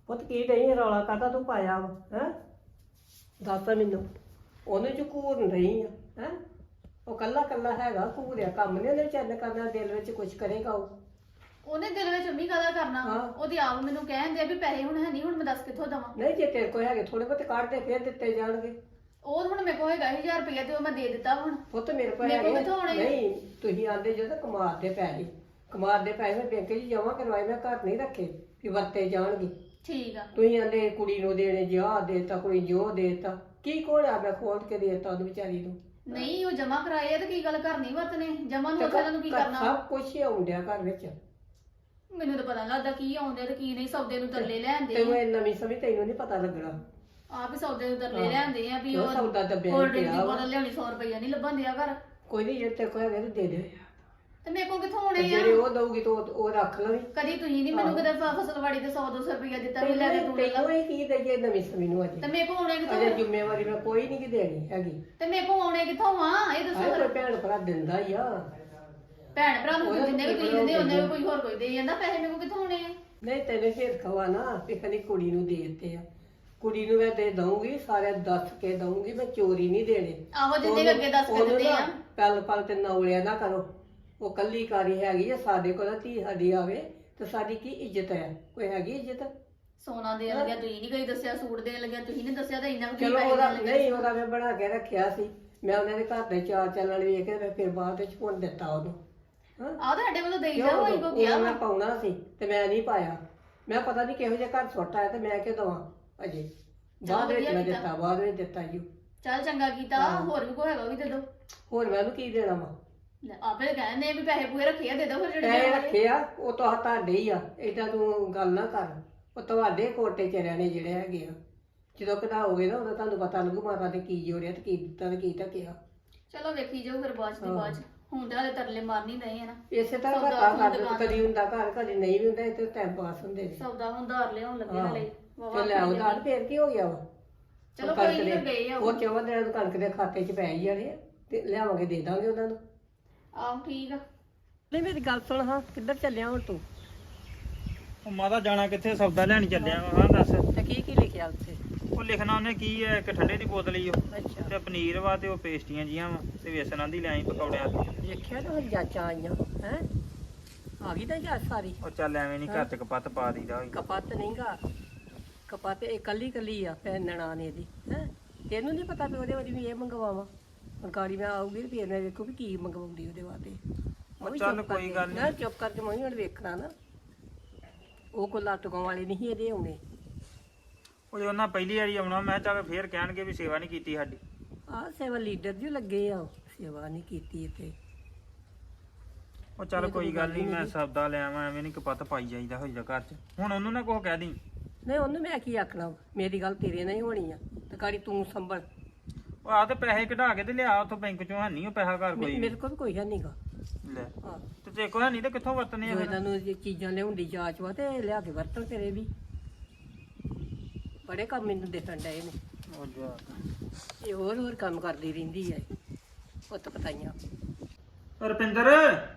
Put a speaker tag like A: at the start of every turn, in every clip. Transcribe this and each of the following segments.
A: ਪੁੱਤ ਕੀ ਨਹੀਂ ਰੌਲਾ ਕਾਹਦਾ ਤੂੰ ਪਾਇਆ ਵਾ ਹੈ? ਦੱਸ ਮੈਨੂੰ। ਉਹਨੂੰ ਚ ਘੂਰਨ ਰਹੀ ਆ ਹੈ? ਉਹ ਕੱਲਾ ਕੱਲਾ ਹੈਗਾ, ਘੂਰਿਆ ਕੰਮ ਨਹੀਂ ਉਹਨੇ ਚੰਨ ਕਰਨਾ, ਦਿਲ ਵਿੱਚ ਕੁਛ ਕਰੇਗਾ ਉਹ।
B: ਉਹਨੇ ਦਿਲ ਵਿੱਚ ਅੰਮੀ ਕਾਹਦਾ ਕਰਨਾ? ਉਹਦੀ ਆਪ ਮੈਨੂੰ ਕਹਿੰਦੇ ਆ ਵੀ ਪੈਸੇ ਹੁਣ ਹੈ ਨਹੀਂ, ਹੁਣ ਮੈਂ ਦੱਸ ਕਿੱਥੋਂ ਦਵਾਂ?
A: ਨਹੀਂ ਜੇ ਤੇਰੇ ਕੋਲ ਹੈਗੇ ਥੋੜੇ ਬਹੁਤੇ ਕੱਢ ਦੇ, ਫਿਰ ਦਿੱਤੇ ਜਾਣਗੇ।
B: ਉਹ ਹੁਣ ਮੇਰੇ ਕੋਲ ਹੈਗਾ 1000 ਰੁਪਇਆ ਤੇ ਉਹ ਮੈਂ ਦੇ ਦਿੱਤਾ ਹੁਣ।
A: ਪੁੱਤ ਮੇਰੇ ਕੋਲ
B: ਮੇਰੇ ਕੋਲ
A: ਹੈਗੇ
B: ਕਿੱਥੋਂ ਆਉਣੇ?
A: ਨਹੀਂ, ਤੁਸੀਂ ਆਂਦੇ ਜਦੋਂ ਕਮਾਰ ਦੇ ਪੈਸੇ ਮੈਂ ਬੈਂਕ 'ਚ ਜਮਾ ਕਰਵਾਏ, ਮੈਂ ਘਰ ਨਹੀਂ ਰੱਖੇ ਵੀ ਵਰਤੇ ਜਾਣਗੇ।
B: ਠੀਕ ਆ।
A: ਤੁਸੀਂ ਆਂਦੇ ਕੁੜੀ ਨੂੰ ਦੇਣੇ ਜਿਹਾ ਦੇਤਾ, ਕੋਈ ਜੋ ਦੇਤਾ, ਕੀ ਕੋਲਿਆ ਮੈਂ ਖੋਲ ਕੇ ਦੇਤਾ ਉਹਨੂੰ ਵਿਚਾਰੀ ਨੂੰ।
B: ਨਹੀਂ ਉਹ ਜਮਾ ਕਰਾਏ ਆ ਤੇ ਕੀ ਗੱਲ ਘਰ ਨਹੀਂ ਵਰਤਨੇ? ਜਮਾ ਨੂੰ ਉਹਨਾਂ ਨੂੰ ਕੀ ਕਰਨਾ?
A: ਸਭ ਕੁਝ ਹੀ ਆਉਂਦਿਆ ਘਰ ਵਿੱਚ।
B: ਮੈਨੂੰ ਤਾਂ ਪਤਾ ਨੀ ਲੱਗਦਾ ਕੀ ਆਉਂਦੇ ਤੇ ਕੀ ਨਹੀਂ। ਸੌਦੇ ਨੂੰ ਤਰਲੇ ਲੈਂਦੇ
A: ਤੈਨੂੰ ਇਹ ਨਵੀਂ ਸਮਝ ਤੈਨੂੰ ਨਹੀਂ ਪਤਾ ਲੱਗਣਾ।
B: ਆਪ ਹੀ ਸੌਦੇ ਨੂੰ ਤਰਲੇ ਲੈਂਦੇ ਆ ਵੀ
A: ਉਹ ਸੌਦਾ ਦੱਬਿਆ
B: ਕੋਲਡ
A: ਨੀ
B: ਡਰਿੰਕ ਦੀ
A: ਪਿਆ
B: ਬੋਤਲ ਲਿਆਉਣੀ 100 ਰੁਪਇਆ ਨਹੀਂ ਲੱਭਣ ਦਿਆ ਘਰ।
A: ਕੋਈ ਨਹੀਂ, ਜੇ ਤੇਰੇ ਕੋਲ ਹੈਗੇ ਤੇ ਦੇ ਦੇ।
B: ਤੇ ਮੇਰੇ ਕੋਲ ਕਿੱਥੋਂ ਆਉਣੇ ਆ?
A: ਜਿਹੜੇ ਉਹ ਦਊਗੀ ਤਾਂ ਉਹ ਰੱਖ ਲਵੀ।
B: ਕਦੀ ਤੁਸੀਂ ਨਹੀਂ ਮੈਨੂੰ ਕਦੇ ਫਸਲਵਾੜੀ ਤੇ 100-200 ਰੁਪਇਆ ਦਿੱਤਾ ਵੀ ਲੈ ਕੇ ਤੂੰ ਲੈ ਲਾ।
A: ਤੈਨੂੰ ਕੀ ਦਈਏ ਨਵੀਂ ਸਮਝ ਨੂੰ ਅਜੇ?
B: ਤੇ ਮੇਰੇ ਕੋਲ ਆਉਣੇ ਕਿੱਥੋਂ?
A: ਅਜੇ ਜ਼ਿੰਮੇਵਾਰੀ ਮੈਂ ਕੋਈ ਨਹੀਂ ਦੇਣੀ ਹੈਗੀ।
B: ਤੇ ਮੇਰੇ ਕੋਲ ਆਉਣੇ ਕਿੱਥੋਂ ਆ ਇਹ ਦੱਸੋ?
A: ਕੋਈ ਭੈਣ ਭਰਾ ਦਿੰਦਾ ਹੀ ਆ।
B: ਭੈਣ ਭਰਾ ਨੂੰ ਜਿੰਨੇ ਵੀ ਤੁਸੀਂ ਦਿੰਦੇ ਉਹਨੇ ਵੀ ਕੋਈ ਹੋਰ ਕੋਈ ਦੇ ਜਾਂਦਾ। ਪੈਸੇ ਮੇਰੇ ਕੋਲ ਕਿੱਥੋਂ ਆਉਣੇ ਆ?
A: ਨਹੀਂ ਤੈਨੂੰ ਫੇਰ ਖਵਾ ਨਾ ਵੀ ਕਦੀ ਕੁੜੀ ਨੂੰ ਦੇ ਦਿੱਤੇ ਆ। ਕੁੜੀ ਨੂੰ ਮੈਂ ਦੇ ਦਊਂਗੀ, ਸਾਰੇ ਦੱਸ ਕੇ ਦਊਂਗੀ, ਮੈਂ ਚੋਰੀ ਨਹੀਂ ਦੇਣੇ।
B: ਆਹੋ ਜਿੰਨੇ ਵੀ ਅੱਗੇ ਦੱਸ ਕੇ ਦਿੱਤੇ ਆ।
A: ਪਲ ਪਲ ਤੇ ਨੌਲਿਆ ਨਾ ਕਰੋ। ਉਹ ਕੱਲੀ ਕਾਰੀ ਹੈਗੀ ਆ, ਸਾਡੇ ਕੋਲ ਧੀ ਸਾਡੀ ਆਵੇ ਤੇ ਸਾਡੀ ਕੀ ਇੱਜ਼ਤ ਹੈ? ਕੋਈ ਹੈਗੀ ਇੱਜ਼ਤ?
B: ਸੋਨਾ ਦੇਣ ਲੱਗਿਆ ਤੁਸੀਂ ਨਹੀਂ ਕੋਈ ਦੱਸਿਆ, ਸੂਟ ਦੇਣ ਲੱਗਿਆ ਤੁਸੀਂ ਨਹੀਂ ਦੱਸਿਆ, ਤਾਂ ਇੰਨਾ
A: ਚਲੋ ਉਹਦਾ ਨਹੀਂ, ਉਹਦਾ ਮੈਂ ਬਣਾ ਕੇ ਰੱਖਿਆ ਸੀ। ਮੈਂ ਉਹਨਾਂ ਦੇ ਘਰ ਦੇ ਚਾਰ ਚੱਲਣ ਵੇਖ ਕੇ ਮੈਂ ਫਿਰ ਬਾਅਦ ਵਿੱਚ ਪੁੰਨ ਦਿੱਤਾ ਉਹਨੂੰ।
B: ਆਹ ਤੁਹਾਡੇ ਵੱਲੋਂ ਦੇਈ ਜਾ ਹੋਈ ਕੋ ਗਿਆ
A: ਮੈਂ ਪਾਉਣਾ ਸੀ ਤੇ ਮੈਂ ਨਹੀਂ ਪਾਇਆ। ਮੈਂ ਪਤਾ ਨਹੀਂ ਕਿਹੋ ਜਿਹਾ ਘਰ ਸੁੱਟ ਆਇਆ ਤੇ ਮੈਂ ਕਿਉਂ ਦਵਾਂ ਅਜੇ। ਬਾਅਦ ਵਿੱਚ ਮੈਂ ਦਿੱਤਾ, ਬਾਅਦ ਵਿੱਚ ਦਿੱਤਾ ਜੀ।
B: ਚੱਲ ਚੰਗਾ ਕੀਤਾ। ਹੋਰ ਵੀ ਕੋਈ ਹੈਗਾ ਵੀ ਦੇ ਦੋ।
A: ਹੋਰ ਮੈਂ ਉਹਨੂੰ ਕੀ ਦੇਣਾ ਵਾ?
B: ਆਪੇ ਕਹਿੰਦੇ ਵੀ ਪੈਸੇ ਪੂਰੇ ਰੱਖੇ ਆ, ਦੇ ਦੋ ਫਿਰ ਜਿਹੜੇ
A: ਪੈਸੇ ਰੱਖੇ ਆ ਉਹ ਤਾਂ ਤੁਹਾਡੇ ਹੀ ਆ। ਏਦਾਂ ਤੂੰ ਗੱਲ ਨਾ ਕਰ। ਉਹ ਤੁਹਾਡੇ ਕੋਟੇ ਚਰਿਆਂ ਨੇ ਜਿਹੜੇ ਹੈਗੇ ਆ। ਜਦੋਂ ਕਢਾਓਗੇ ਨਾ ਉਦੋਂ ਤੁਹਾਨੂੰ ਪਤਾ ਲੱਗੂ ਮਾਤਾ ਨੇ ਕੀ ਜੋੜਿਆ ਤੇ ਕੀ ਦਿੱਤਾ ਤੇ ਕੀ ਢੱਕਿਆ।
B: ਚਲੋ ਵੇਖੀ ਜਾਓ ਫਿਰ ਬਾਅਦ ਦੀ ਬਾਅਦ। ਹੁਣ ਤਾਂ ਹਲੇ ਤਰਲੇ ਮਾਰਨੀ ਨਹੀਂ ਹੈ ਨਾ।
A: ਇਸੇ ਤਰ੍ਹਾਂ ਕਦੀ ਹੁੰਦਾ ਘਰ, ਕਦੀ ਨਹੀਂ ਵੀ ਹੁੰਦਾ। ਇੱਥੇ ਟਾਈਮ ਪਾਸ ਹੁੰਦੇ ਨੇ।
B: ਸੌਦਾ ਹੁੰਦਾਰ ਲਿਆਉਣ ਲੱਗੇ ਹਲੇ।
A: ਤੇ ਲੈ ਉਧਾਰ ਫੇਰ ਕੀ ਹੋ ਗਿਆ ਵਾ?
B: ਚਲੋ ਕੋਈ ਨਹੀਂ ਗਏ ਆ
A: ਉਹ 14 ਦਿਨਾਂ ਨੂੰ ਕਣਕ ਦੇ ਖਾਤੇ 'ਚ ਪੈ ਹੀ ਜਾਣੇ ਆ ਤੇ ਲਿਆਵਾਂਗੇ ਦੇ ਦਾਂਗੇ ਉਹਨਾਂ ਨੂੰ।
B: ਆਹੋ ਠੀਕ ਆ।
A: ਨਹੀਂ ਮੇਰੀ ਗੱਲ ਸੁਣ, ਹਾਂ ਕਿੱਧਰ ਚੱਲਿਆ ਹੁਣ ਤੂੰ?
C: ਉਹ ਮਾਤਾ ਜਾਣਾ ਕਿੱਥੇ? ਸੌਦਾ ਲੈਣ ਚੱਲਿਆ ਵਾ। ਹਾਂ ਦੱਸ।
A: ਤੇ ਕੀ ਲਿਖਿਆ ਉੱਥੇ?
C: ਉਹ ਲਿਖਣਾ ਉਹਨੇ ਕੀ ਹੈ, ਇੱਕ ਠੰਡੇ ਦੀ ਬੋਤਲ ਹੀ ਉਹ
A: ਅੱਛਾ
C: ਤੇ ਪਨੀਰ ਵਾ ਤੇ ਉਹ ਪੇਸਟੀਆਂ ਜੀਆਂ ਵਾ ਤੇ ਵੇਸਣਾਂ ਦੀ ਲਿਆਈ ਪਕੌੜਿਆਂ ਦੀ।
A: ਦੇਖਿਆ ਨਾ ਹੁਣ ਜਾਚਾਂ ਆਈਆਂ ਹੈ। ਆ ਗਈ ਤਾਂ ਜਾਂਚ ਸਾਰੀ।
C: ਉਹ ਚੱਲ ਐਵੇਂ ਨਹੀਂ ਘਰ ਚ ਕਪੱਤ ਪਾ ਦੀਦਾ ਹੋਈ।
A: ਕਪੱਤ ਨਹੀਂਗਾ, ਕਪੱਤ ਇਹ ਕੱਲੀ ਆ ਭੈਣ ਨਨਾਣ ਇਹਦੀ ਹੈ। ਤੈਨੂੰ ਨਹੀਂ ਪਤਾ ਵੀ ਉਹਦੇ ਵਾਰੀ ਵੀ ਇਹ ਮੰਗਵਾਵਾਂ। ਗਾੜੀ ਮੈਂ ਆਊਗੀ ਤੇ ਫਿਰ ਮੈਂ ਵੇਖੂ ਵੀ ਕੀ ਮੰਗਵਾਉਂਦੀ ਉਹਦੇ ਵਾਸਤੇ।
C: ਚੱਲ ਕੋਈ ਗੱਲ ਨਹੀਂ।
A: ਚੁੱਪ ਕਰਕੇ ਮੈਂ ਹੁਣ ਵੇਖਣਾ ਨਾ। ਉਹ ਕੋਲ ਲੱਟਕਾਂ ਵਾਲੇ ਨਹੀਂ ਇਹਦੇ ਆਉਣੇ।
C: ਉਹ ਜੇ ਉਹਨਾਂ ਪਹਿਲੀ ਵਾਰੀ ਆਉਣਾ ਮੈਂ ਚੱਲ ਫੇਰ ਕਹਿਣਗੇ ਵੀ ਸੇਵਾ ਨਹੀਂ ਕੀਤੀ ਸਾਡੀ।
A: ਆਹ ਸੇਵਾ ਲੀਡਰ ਜੀ ਲੱਗੇ ਆ, ਸੇਵਾ ਨਹੀਂ ਕੀਤੀ ਇੱਥੇ।
C: ਉਹ ਚੱਲ ਕੋਈ ਗੱਲ ਨਹੀਂ, ਮੈਂ ਸੌਦਾ ਲੈ ਆਵਾਂ। ਐਵੇਂ ਨਹੀਂ ਕਪੱਤ ਪਾਈ ਜਾਈਦਾ ਹੋਈਦਾ ਘਰ ਚ। ਹੁਣ ਉਹਨੂੰ ਨਾ ਕੁਛ ਕਹਿ ਦੀ।
A: ਨਹੀਂ ਉਹਨੂੰ ਮੈਂ ਕੀ ਆਖਣਾ? ਮੇਰੀ ਗੱਲ ਤੇਰੇ ਨਾਲ ਹੀ ਹੋਣੀ ਆ ਤੇ ਗਾੜੀ ਤੂੰ ਸੰਭਲ।
C: ਉਹ ਆ ਤੇ ਪੈਸੇ ਕਢਾ ਕੇ ਤੇ ਲਿਆ ਉੱਥੋਂ ਬੈਂਕ ਚੋਂ। ਹੈ ਨਹੀਂ ਉਹ ਪੈਸਾ ਘਰ ਕੋਈ।
A: ਮੇਰੇ ਕੋਲ ਵੀ ਕੋਈ ਹੈ ਨਹੀਂਗਾ।
C: ਲੈ
A: ਹਾਂ
C: ਤੇ ਜੇ ਕੋਈ ਹੈ ਨਹੀਂ ਤੇ ਕਿੱਥੋਂ ਵਰਤਨੇ ਆ
A: ਜੋ
C: ਫਿਰ?
A: ਇਹਨਾਂ ਨੂੰ ਜੇ ਚੀਜ਼ਾਂ ਲਿਆਉਣ ਦੀ ਜਾਂਚ ਵਾ ਤੇ ਲਿਆ ਕੇ ਵਰਤਣ ਤੇਰੇ ਵੀ। ਬੜੇ ਕੰਮ ਮੈਨੂੰ ਦੇਖਣ ਡਏ ਨੇ।
C: ਉਹ ਜਾ
A: ਇਹ ਹੋਰ ਕੰਮ ਕਰਦੀ ਰਹਿੰਦੀ ਹੈ। ਪੁੱਤ ਪਤਾਈਆਂ।
C: ਰੁਪਿੰਦਰ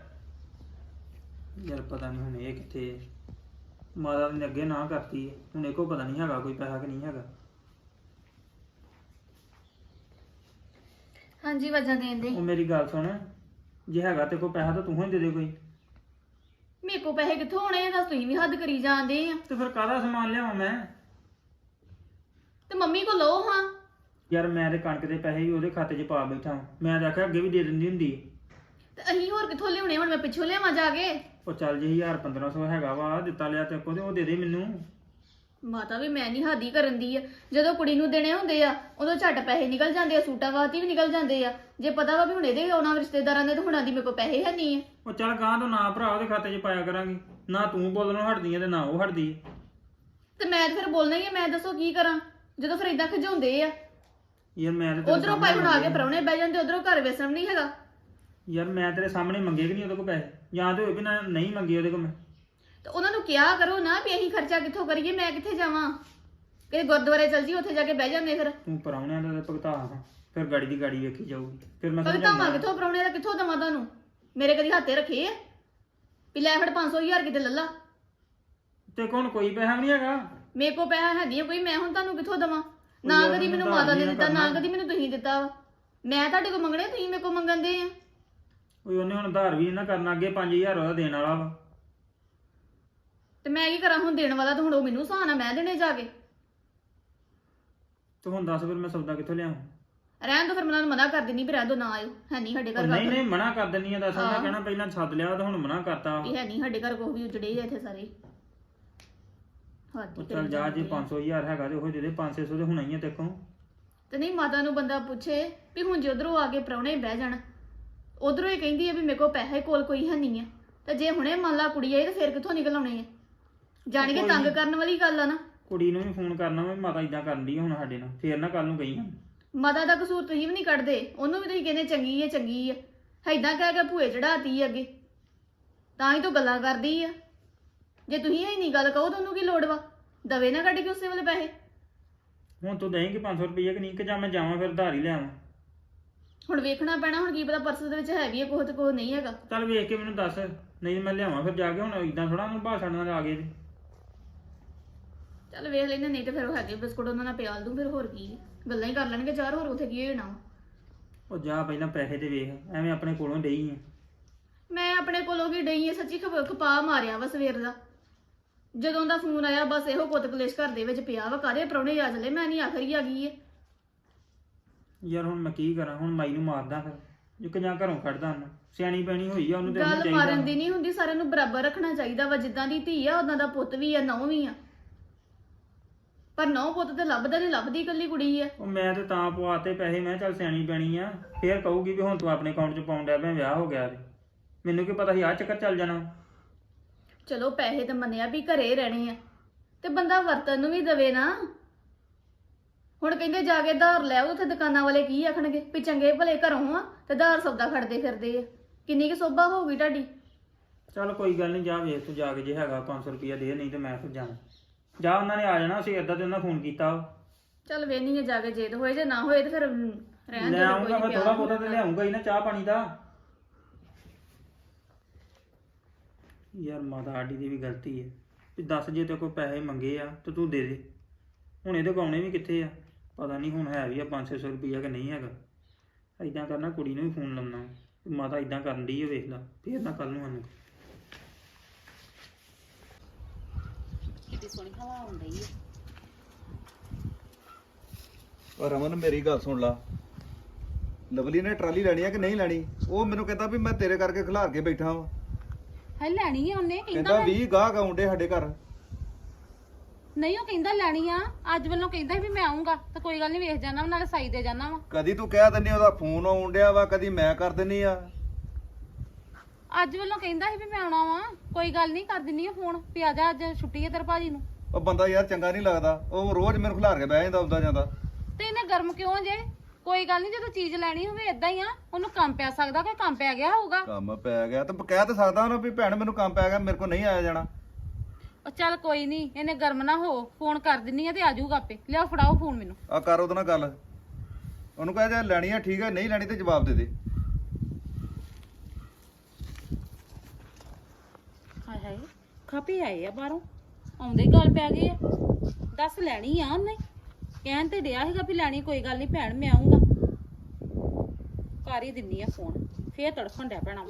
C: ਯਾਰ ਪਤਾ ਨਹੀਂ ਹੁਣ ਇਹ ਕਿੱਥੇ। ਮਾਤਾ ਨੇ ਅੱਗੇ ਨਾ ਕਰਤੀ ਹੈ, ਹੁਣ ਇਹ ਕੋ ਪਤਾ ਨਹੀਂ ਹੈਗਾ ਕੋਈ ਪੈਸਾ ਕਿ ਨਹੀਂ ਹੈਗਾ।
B: ਹਾਂਜੀ ਵਜਾ ਦੇਣ ਦੇ।
C: ਉਹ ਮੇਰੀ ਗੱਲ ਸੁਣ, ਜੇ ਹੈਗਾ ਤੇ ਕੋਈ ਪੈਸਾ ਤਾਂ ਤੂੰ ਹੀ ਦੇ ਦੇ ਕੋਈ।
B: ਮੇਰੇ ਕੋ ਪੈਸੇ ਕਿੱਥੋਂ ਆਉਣੇ ਆ? ਦੱਸ ਤੁਸੀਂ ਵੀ ਹੱਦ ਕਰੀ ਜਾਂਦੇ ਆ।
C: ਤੇ ਫਿਰ ਕਾਹਦਾ ਸਮਾਨ ਲਿਆਵਾਂ ਮੈਂ?
B: ਤੇ ਮੰਮੀ ਕੋ ਲਓ ਹਾਂ।
C: ਯਾਰ ਮੈਂ ਤੇ ਕਣਕ ਦੇ ਪੈਸੇ ਹੀ ਉਹਦੇ ਖਾਤੇ 'ਚ ਪਾ ਬੈਠਾ। ਮੈਂ ਤਾਂ ਆਖਿਆ ਅੱਗੇ ਵੀ ਦੇ ਦਿੰਦੀ ਹੁੰਦੀ।
B: ਤੇ ਅਸੀਂ ਹੋਰ ਕਿੱਥੋਂ ਲਿਆਉਣੇ? ਹੁਣ ਮੈਂ ਪਿੱਛੋਂ ਲਿਆਵਾਂ ਜਾ ਕੇ?
C: ਉਹ ਚੱਲ ਜੇ 1000-1500 ਹੈਗਾ ਵਾ ਦਿੱਤਾ ਲਿਆ ਤੇ ਕੋ ਤੇ ਉਹ ਦੇ ਦੇ ਮੈਨੂੰ।
B: ਮਾਤਾ ਵੀ ਮੈਂ ਨਹੀਂ ਹਾਦੀ ਕਰਨ ਦੀ ਆ। ਜਦੋਂ ਕੁੜੀ ਨੂੰ ਦੇਣੇ ਹੁੰਦੇ ਆ ਉਦੋਂ ਝੱਟ ਪੈਸੇ ਨਿਕਲ ਜਾਂਦੇ ਆ, ਸੂਟਾਂ ਵਾਸਤੇ ਵੀ ਨਿਕਲ ਜਾਂਦੇ ਆ। ਜੇ ਪਤਾ ਵਾ ਵੀ ਹੁਣ ਇਹਦੇ ਆਉਣਾ ਰਿਸ਼ਤੇਦਾਰਾਂ ਦੇ, ਤਾਂ ਹੁਣਾਂ ਦੀ ਮੇਰੇ ਕੋਲ ਪੈਸੇ ਹੈ ਨਹੀਂ ਆ।
C: ਉਹ ਚੱਲ ਗਾਂ ਤੋਂ ਨਾ ਭਰਾ ਉਹਦੇ ਖਾਤੇ 'ਚ ਪਾਇਆ ਕਰਾਂਗੇ। ਨਾ ਤੂੰ ਬੋਲਣੋਂ ਹਟਦੀ ਆ ਤੇ ਨਾ ਉਹ ਹਟਦੀ ਆ।
B: ਤੇ ਮੈਂ ਤਾਂ ਫਿਰ ਬੋਲਣਾ ਹੀ ਆ। ਮੈਂ ਦੱਸੋ ਕੀ ਕਰਾਂ ਜਦੋਂ ਫਿਰ ਇਦਾਂ ਖਿਜਾਉਂਦੇ ਆ।
C: ਯਾਰ ਮੈਂ ਤੇ
B: ਉਧਰੋਂ ਭਾਈ ਹੁਣ ਆ ਕੇ ਪ੍ਰਾਹੁਣੇ ਬਹਿ ਜਾਂਦੇ, ਉਧਰੋਂ ਘਰ ਵੇਸਣ ਨਹੀਂ ਹੈਗਾ।
C: ਯਾਰ ਮੈਂ ਤੇਰੇ ਸਾਹਮਣੇ ਮੰਗੇ ਕਿ ਨਹੀਂ ਉਹਦੇ ਕੋਲ ਪੈਸੇ? ਜਾਂ ਤੇ ਹੋਏ ਵੀ ਨਾ ਨਹੀਂ ਮੰਗੇ ਉਹਦੇ ਕੋਲ ਮੈਂ।
B: ਤੇ ਉਹਨਾਂ ਨੂੰ ਕਿਹਾ ਕਰੋ ਨਾ ਵੀ ਅਸੀਂ ਖਰਚਾ ਕਿੱਥੋਂ ਕਰੀਏ, ਮੈਂ ਕਿੱਥੇ ਜਾਵਾਂ? ਕਿ ਗੁਰਦੁਆਰੇ ਚਲ ਜੀ, ਉੱਥੇ ਜਾ ਕੇ ਬਹਿ ਜਾਂਦੇ। ਫਿਰ
C: ਤੂੰ ਪਰਾਉਣਿਆਂ ਦਾ ਭੁਗਤਾ ਹਾਂ, ਫਿਰ ਗਾੜੀ ਦੀ ਗਾੜੀ ਵੇਖੀ ਜਾਊਗੀ। ਫਿਰ ਮੈਂ
B: ਕਦੇ ਧਾਵਾਂ ਕਿੱਥੋਂ ਪ੍ਰਾਹੁਣੇ ਦਾ ਕਿੱਥੋਂ ਦਵਾਂ ਤੁਹਾਨੂੰ? ਮੇਰੇ ਕਦੀ ਹੱਥੇ ਰੱਖੇ ਆ ਵੀ ਲੈ ਫੜ 500,000 ਕਿਤੇ ਲੱਲਾ।
C: ਤੇ ਕੋਣ ਕੋਈ ਪੈਸਾ ਵੀ ਨਹੀਂ ਹੈਗਾ।
B: ਮੇਰੇ ਕੋਲ ਪੈਸਾ ਹੈ ਨਹੀਂ ਕੋਈ, ਮੈਂ ਹੁਣ ਤੁਹਾਨੂੰ ਕਿੱਥੋਂ ਦਵਾਂ? ਨਾ
C: ਯਾਰ
B: ਕਦੀ ਮੈਨੂੰ
C: ਮੈਨੂੰ
B: ਮਾਤਾ ਨੇ
C: ਉਧਾਰ
B: ਦਿੱਤਾ, ਨਾ
C: ਕਰਨਾ।
B: ਕਦੀ ਮੈਨੂੰ ਤੁਸੀਂ ਦਿੱਤਾ ਵਾ। ਮੈਂ ਤੁਹਾਡੇ ਕੋਲ ਮੰਗਣੇ, ਤੁਸੀਂ ਮੇਰੇ ਕੋਲ ਮੰਗਣ ਦੇ ਆ।
C: ਓਏ ਉਹਨੇ ਹੁਣ ਉਧਾਰ ਵੀ ਨੀ ਨਾ ਕਰਨਾ, ਅੱਗੇ 5000 ਉਹਦਾ ਦੇਣ ਵਾਲਾ ਵਾ।
B: ਤੇ ਮੈਂ ਕੀ ਕਰਾਂ ਹੁਣ? ਦੇਣ ਵਾਲਾ ਤਾਂ ਹੁਣ ਉਹ ਮੈਨੂੰ ਸਹਾਨਾ, ਮੈਂ ਦੇਣੇ ਜਾ ਕੇ।
C: ਤੂੰ ਹੁਣ ਦੱਸ ਫਿਰ ਮੈਂ ਸੌਦਾ ਕਿੱਥੋਂ ਲਿਆਵਾਂ?
B: ਰਹਿਣ ਦੋ ਫਿਰ, ਮੈਂ ਉਹਨਾਂ ਨੂੰ ਮਨਾ ਕਰ ਦਿੰਦੀ ਵੀ ਰਹਿਣ ਦੋ, ਨਾ ਆਇਓ, ਹੈ ਨਹੀਂ ਸਾਡੇ ਘਰ
C: ਨਹੀਂ
B: ਗੱਲ।
C: ਨਹੀਂ ਮਨਾ ਕਰ ਦਿੰਨੀ ਆ, ਦੱਸ ਮੈਂ ਕਹਿਣਾ ਪਹਿਲਾਂ ਸੱਦ ਲਿਆ ਤਾਂ ਹੁਣ ਮਨਾ ਕਰਤਾ।
B: ਇਹ ਹੈ ਨਹੀਂ ਸਾਡੇ ਘਰ ਕੋਈ ਵੀ ਉਜੜੇ ਆ ਇੱਥੇ ਸਾਰੇ। ਹੱਦ
C: ਉਹ
B: ਹੀ
C: ਚੱਲ
B: ਕਰੀ
C: ਜਾ,
B: ਜਾਂਦੇ
C: ਜੇ
B: ਆ।
C: 500000 ਹੈਗਾ ਤੇ ਉਹ ਦੇ ਦੇ, 500 ਤੇ ਹੋਣਾ ਹੀ ਆ ਤੇਕੋਂ।
B: ਤੇ ਨਹੀਂ ਮਾਤਾ ਨੂੰ ਬੰਦਾ ਪੁੱਛੇ ਵੀ ਹੁਣ ਜੇ ਉਧਰੋਂ ਆ ਕੇ ਪ੍ਰਾਹੁਣੇ ਬਹਿ ਜਾਣ, ਉਧਰੋਂ ਹੀ ਕਹਿੰਦੀ ਆ ਵੀ ਮੇਰੇ ਕੋਲ ਪੈਸੇ ਕੋਲ ਕੋਈ ਹੈ ਨਹੀਂ ਆ, ਤੇ ਜੇ ਹੁਣੇ ਮੰਨ ਲਾ ਕੁੜੀ ਆਈ ਤੇ ਫਿਰ ਕਿੱਥੋਂ ਨਿਕਲ ਆਉਣੇ ਆ? ਜਾਣ ਕੇ ਤੰਗ ਕਰਨ ਵਾਲੀ ਗੱਲ ਆ ਨਾ।
C: ਕੁੜੀ ਨੂੰ ਵੀ ਫੋਨ ਕਰਨਾ ਵਾ, ਮਾਤਾ ਇਦਾਂ ਕਰਨ ਦੀ ਹੁਣ ਸਾਡੇ ਨਾਲ, ਫੇਰ ਨਾ ਕੱਲ ਨੂੰ ਗਈ ਹਨ।
B: ਮਾਤਾ ਦਾ ਕਸੂਰ ਤੁਸੀਂ ਵੀ ਨਹੀਂ ਕੱਢਦੇ, ਉਹਨੂੰ ਵੀ ਤੁਸੀਂ ਕਹਿੰਦੇ ਚੰਗੀ ਹੈ ਚੰਗੀ ਹੈ, ਏਦਾਂ ਕਹਿ ਕੇ ਭੂਏ ਚੜਾਤੀ ਅੱਗੇ, ਤਾਂ ਹੀ ਤਾਂ ਗੱਲਾਂ ਕਰਦੀ ਆ। ਜੇ ਤੁਸੀਂ ਇਹ ਨਹੀਂ ਗੱਲ ਕਹੋ ਤਾਂ ਉਹਨੂੰ ਕੀ ਲੋੜ ਵਾ? ਦਵੇ ਨਾ ਕੱਢ ਕੇ ਉਸੇ ਵੇਲੇ ਪੈਸੇ।
C: ਹੁਣ ਤੂੰ ਦੇਂਗੀ 500 ਰੁਪਏ ਕਿ ਨਹੀਂ, ਕਿ ਜਾਂ ਮੈਂ ਜਾਵਾਂ ਫਿਰ ਉਧਾਰ ਹੀ ਲਿਆਵਾਂ?
B: ਹੁਣ ਵੇਖਣਾ ਪੈਣਾ, ਹੁਣ ਕੀ ਪਤਾ ਪਰਸ ਦੇ ਵਿੱਚ ਹੈ ਵੀ ਹੈ ਕੁਛ ਤੇ ਕੁਛ ਨਹੀਂ ਹੈਗਾ।
C: ਚੱਲ ਵੇਖ ਕੇ ਮੈਨੂੰ ਦੱਸ, ਨਹੀਂ ਮੈਂ ਲਿਆਵਾਂ ਫਿਰ ਜਾ ਕੇ। ਹੁਣ ਇਦਾਂ ਥੋੜਾ ਉਹਨੂੰ ਬਾਹਰ ਛੱਡਣਾ ਆ ਗਏ ਤੇ।
B: ਚੱਲ ਵੇਖ ਲੈਨੇ, ਨਹੀਂ ਤੇ ਫਿਰ ਉਹ ਹੈਗੇ ਬਿਸਕੁਟ ਉਹਨਾਂ ਨਾਲ ਪਿਆਲ ਦੂੰ, ਫਿਰ ਹੋਰ ਕੀ ਗੱਲਾਂ ਹੀ ਕਰ ਲੈਣਗੇ ਚਾਰ, ਹੋਰ ਉੱਥੇ ਕੀ ਹੋਣਾ।
C: ਉਹ ਜਾ ਪਹਿਲਾਂ ਪੈਸੇ ਤੇ ਵੇਖ, ਐਵੇਂ ਆਪਣੇ ਕੋਲੋਂ ਡਈ ਆ।
B: ਮੈਂ ਆਪਣੇ ਕੋਲੋਂ ਵੀ ਡਈ ਆ, ਸੱਚੀ ਖਪਾ ਮਾਰਿਆ ਵਾ ਸਵੇਰ ਦਾ। ਜਦੋਂ ਦਾ ਫੋਨ ਆਇਆ ਬਸ ਇਹੋ ਕੁੱਤ ਕਲੇਸ਼ ਘਰ ਦੇ ਵਿੱਚ ਪਿਆ ਵਾ, ਕਾਹਦੇ ਪ੍ਰਾਹੁਣੇ ਆ ਚਲੇ, ਮੈਂ ਨਹੀਂ ਆਖਰੀ ਆ ਗਈ ਏ।
C: ਯਾਰ ਹੁਣ ਮੈਂ ਕੀ ਕਰਾਂ? ਹੁਣ ਮਾਈ ਨੂੰ ਮਾਰਦਾ ਫਿਰ, ਇੱਕ ਜਾਂ ਘਰੋਂ ਕੱਢਦਾ ਉਹਨੂੰ। ਸਿਆਣੀ ਪੈਣੀ ਹੋਈ ਆ, ਉਹਨੂੰ ਤੇ
B: ਗੱਲ
C: ਚਾਹੀਦਾ।
B: ਮਾਰਨ ਦੀ ਨਹੀਂ ਹੁੰਦੀ, ਸਾਰਿਆਂ ਨੂੰ ਬਰਾਬਰ ਰੱਖਣਾ ਚਾਹੀਦਾ ਵਾ। ਜਿੱਦਾਂ ਦੀ ਧੀ ਆ ਉਦਾਂ ਦਾ ਪੁੱਤ ਵੀ ਆ, ਨਹੁੰ ਵੀ ਆ। ਪਰ ਨਹੁੰ ਪੁੱਤ ਤੇ ਲੱਭਦਾ ਨਹੀਂ, ਲੱਭਦੀ ਇਕੱਲੀ ਕੁੜੀ ਆ।
C: ਉਹ ਮੈਂ ਤੇ ਤਾਂ ਪਵਾਤੇ ਪੈਸੇ, ਮੈਂ ਕਿਹਾ ਚੱਲ ਸਿਆਣੀ ਪੈਣੀ ਆ, ਫੇਰ ਕਹੂਗੀ ਵੀ ਹੁਣ ਤੂੰ ਆਪਣੇ ਅਕਾਊਂਟ 'ਚ ਪਾਉਣ ਡਿਆ ਪਿਆ, ਵਿਆਹ ਹੋ ਗਿਆ ਤੇ। ਮੈਨੂੰ ਕੀ ਪਤਾ ਸੀ ਆਹ ਚੱਕਰ ਚੱਲ ਜਾਣਾ।
B: ਚਲੋ ਪੈਸੇ ਤਾਂ ਮੰਨਿਆ ਵੀ ਘਰੇ ਰਹਿਣੇ ਆ, ਤੇ ਬੰਦਾ ਵਰਤਨ ਨੂੰ ਵੀ ਦਵੇ ਨਾ। ਹੁਣ ਕਹਿੰਦੇ ਜਾ ਕੇ ਧਾਰ ਲੈ ਆਓ, ਉੱਥੇ ਦੁਕਾਨਾਂ ਵਾਲੇ ਕੀ ਆਖਣਗੇ ਵੀ ਚੰਗੇ ਭਲੇ ਘਰੋਂ ਆ ਤੇ ਧਾਰ ਸੌਦਾ ਖੜਦੇ ਫਿਰਦੇ ਆ। ਕਿੰਨੀ ਕੁ ਸੋਭਾ ਹੋਊਗੀ ਤੁਹਾਡੀ?
C: ਚੱਲ ਕੋਈ ਗੱਲ ਨਹੀਂ, ਜਾ ਵੇਖ ਤੂੰ ਜਾ ਕੇ, ਜੇ ਹੈਗਾ 500 ਰੁਪਇਆ ਦੇ, ਨਹੀਂ ਤੇ ਮੈਂ ਫਿਰ ਜਾਣਾ। ਜਾ, ਉਹਨਾਂ ਨੇ ਆ ਜਾਣਾ ਸੀ, ਏਦਾਂ ਤੇ ਉਹਨਾਂ ਫੋਨ ਕੀਤਾ।
B: ਚੱਲ ਵੇਹਨੀ ਆ ਜਾ ਕੇ, ਜੇ ਹੋਏ ਜੇ ਨਾ ਹੋਏ ਤੇ ਫਿਰ ਰਹਿਣ
C: ਲੈ
B: ਦੇ।
C: ਆਉਂਗਾ ਮੈਂ, ਥੋੜਾ ਬਹੁਤਾ ਤੇ ਲਿਆਉਂਗਾ ਹੀ ਨਾ, ਚਾਹ ਪਾਣੀ ਦਾ। ਯਾਰ ਮਾਤਾ ਸਾਡੀ ਦੀ ਵੀ ਗਲਤੀ ਹੈ ਵੀ ਦੱਸ, ਜੇ ਤੇ ਕੋਈ ਪੈਸੇ ਮੰਗੇ ਆ ਤੇ ਤੂੰ ਦੇ ਦੇ। ਹੁਣ ਇਹਦੇ ਗਾਉਣੇ ਵੀ ਕਿੱਥੇ ਆ? ਪਤਾ ਨਹੀਂ ਹੁਣ ਹੈ ਵੀ ਆ 500 ਰੁਪਈਆ ਕਿ ਨਹੀਂ ਹੈਗਾ। ਏਦਾਂ ਕਰਨਾ, ਕੁੜੀ ਨੂੰ ਵੀ ਫੋਨ ਲਾਉਣਾ, ਮਾਤਾ ਏਦਾਂ ਕਰਨ ਦੀ ਹੈ, ਵੇਖ ਲਾ, ਫੇਰ ਨਾ ਕੱਲ ਨੂੰ ਸਾਨੂੰ।
D: ਕਿੱਡੀ ਸੋਹਣੀ ਹਵਾ ਆਉਂਦੀ ਹੈ।
E: ਔਰ ਰਮਨ ਮੇਰੀ ਗੱਲ ਸੁਣ ਲਾ, ਲਵਲੀ ਨੇ ਟਰਾਲੀ ਲੈਣੀ ਆ ਕਿ ਨਹੀਂ ਲੈਣੀ? ਉਹ ਮੈਨੂੰ ਕਹਿੰਦਾ ਵੀ ਮੈਂ ਤੇਰੇ ਕਰਕੇ ਖਿਲਾਰ ਕੇ ਬੈਠਾ ਵਾਂ।
D: ਹੈ ਲੈਣੀ ਆ ਉਹਨੇ,
E: ਕਹਿੰਦਾ 20 ਗਾਹਕ ਆਉਂਦੇ ਸਾਡੇ ਘਰ।
D: ਨਹੀਂ ਉਹ ਕਹਿੰਦਾ ਲੈਣੀ ਆ, ਅੱਜ ਵੱਲੋਂ ਕਹਿੰਦਾ ਸੀ ਵੀ ਮੈਂ ਆਉਂਗਾ, ਤਾਂ ਕੋਈ ਗੱਲ ਨਹੀਂ, ਵੇਖ ਜਾਣਾ ਨਾਲੇ ਸਾਈ ਦੇ ਜਾਣਾ ਵਾ।
E: ਕਦੀ ਤੂੰ ਕਹਿ ਦਿੰਨੀ ਉਹਦਾ ਫੋਨ ਆਉਣ ਡਿਆ ਵਾ, ਕਦੀ ਮੈਂ ਕਰ ਦਿੰਨੀ ਆ।
D: ਅੱਜ ਵੱਲੋਂ ਕਹਿੰਦਾ ਸੀ ਵੀ ਮੈਂ ਆਉਣਾ ਵਾ, ਕੋਈ ਗੱਲ ਨਹੀਂ, ਕਰ ਦਿੰਨੀ ਆ ਫੋਨ ਵੀ ਆ ਜਾ, ਅੱਜ ਛੁੱਟੀ ਹੈ ਤੇਰੇ ਭਾਜੀ ਨੂੰ।
E: ਉਹ ਬੰਦਾ ਯਾਰ ਚੰਗਾ ਨਹੀਂ ਲੱਗਦਾ, ਉਹ ਰੋਜ਼ ਮੈਨੂੰ ਖਿਲਾਰ ਕੇ ਬਹਿ ਜਾਂਦਾ ਆਉਂਦਾ ਜਾਂਦਾ।
D: ਤੇ ਇਹਨੇ ਗਰਮ ਕਿਉਂ ਜੇ? ਕੋਈ ਗੱਲ ਨਹੀਂ, ਜਦੋਂ ਚੀਜ਼ ਲੈਣੀ ਹੋਵੇ ਇਦਾਂ ਹੀ ਆ, ਉਹਨੂੰ ਕੰਮ ਪੈ ਸਕਦਾ, ਕੋਈ ਕੰਮ ਪੈ ਗਿਆ ਹੋਊਗਾ।
E: ਕੰਮ ਪੈ ਗਿਆ ਤੇ ਕਹਿ ਤਾਂ ਸਕਦਾ ਉਹਨੂੰ ਵੀ ਭੈਣ ਮੈਨੂੰ ਕੰਮ ਪੈ ਗਿਆ, ਮੇਰੇ ਕੋਲ ਨਹੀਂ ਆਇਆ ਜਾਣਾ।
D: ਉਹ ਚੱਲ ਕੋਈ ਨਹੀਂ, ਇਹਨੇ ਗਰਮ ਨਾ ਹੋ, ਫੋਨ ਕਰ ਦਿੰਨੀ ਆ ਤੇ ਆ ਜਾਊਗਾ ਆਪੇ। ਲਿਆਓ ਫੜਾਓ ਫੋਨ ਮੈਨੂੰ।
E: ਆ ਕਰ ਉਹਦੇ ਨਾਲ ਗੱਲ, ਉਹਨੂੰ ਕਹਿ ਜੇ ਲੈਣੀ ਆ ਠੀਕ ਹੈ, ਨਹੀਂ ਲੈਣੀ ਤੇ ਜਵਾਬ ਦੇ ਦੇ।
D: ਹਾਏ ਹਾਏ, ਖਾਪੇ ਆਏ ਆ ਬਾਹਰੋਂ, ਆਉਂਦੇ ਹੀ ਗੱਲ ਪੈ ਗਈ ਆ। ਦੱਸ ਲੈਣੀ ਆ ਉਹਨੇ, ਕਹਿਣ ਤੇ ਡਿਆ ਸੀਗਾ ਵੀ ਲੈਣੀ, ਕੋਈ ਗੱਲ ਨਹੀਂ ਭੈਣ ਮੈਂ ਆਉਂਗਾ। ਕਰ ਹੀ ਦਿੰਨੀ ਆ ਫੋਨ, ਫੇਰ ਤੜਫਣ ਡਿਆ ਪੈਣਾ।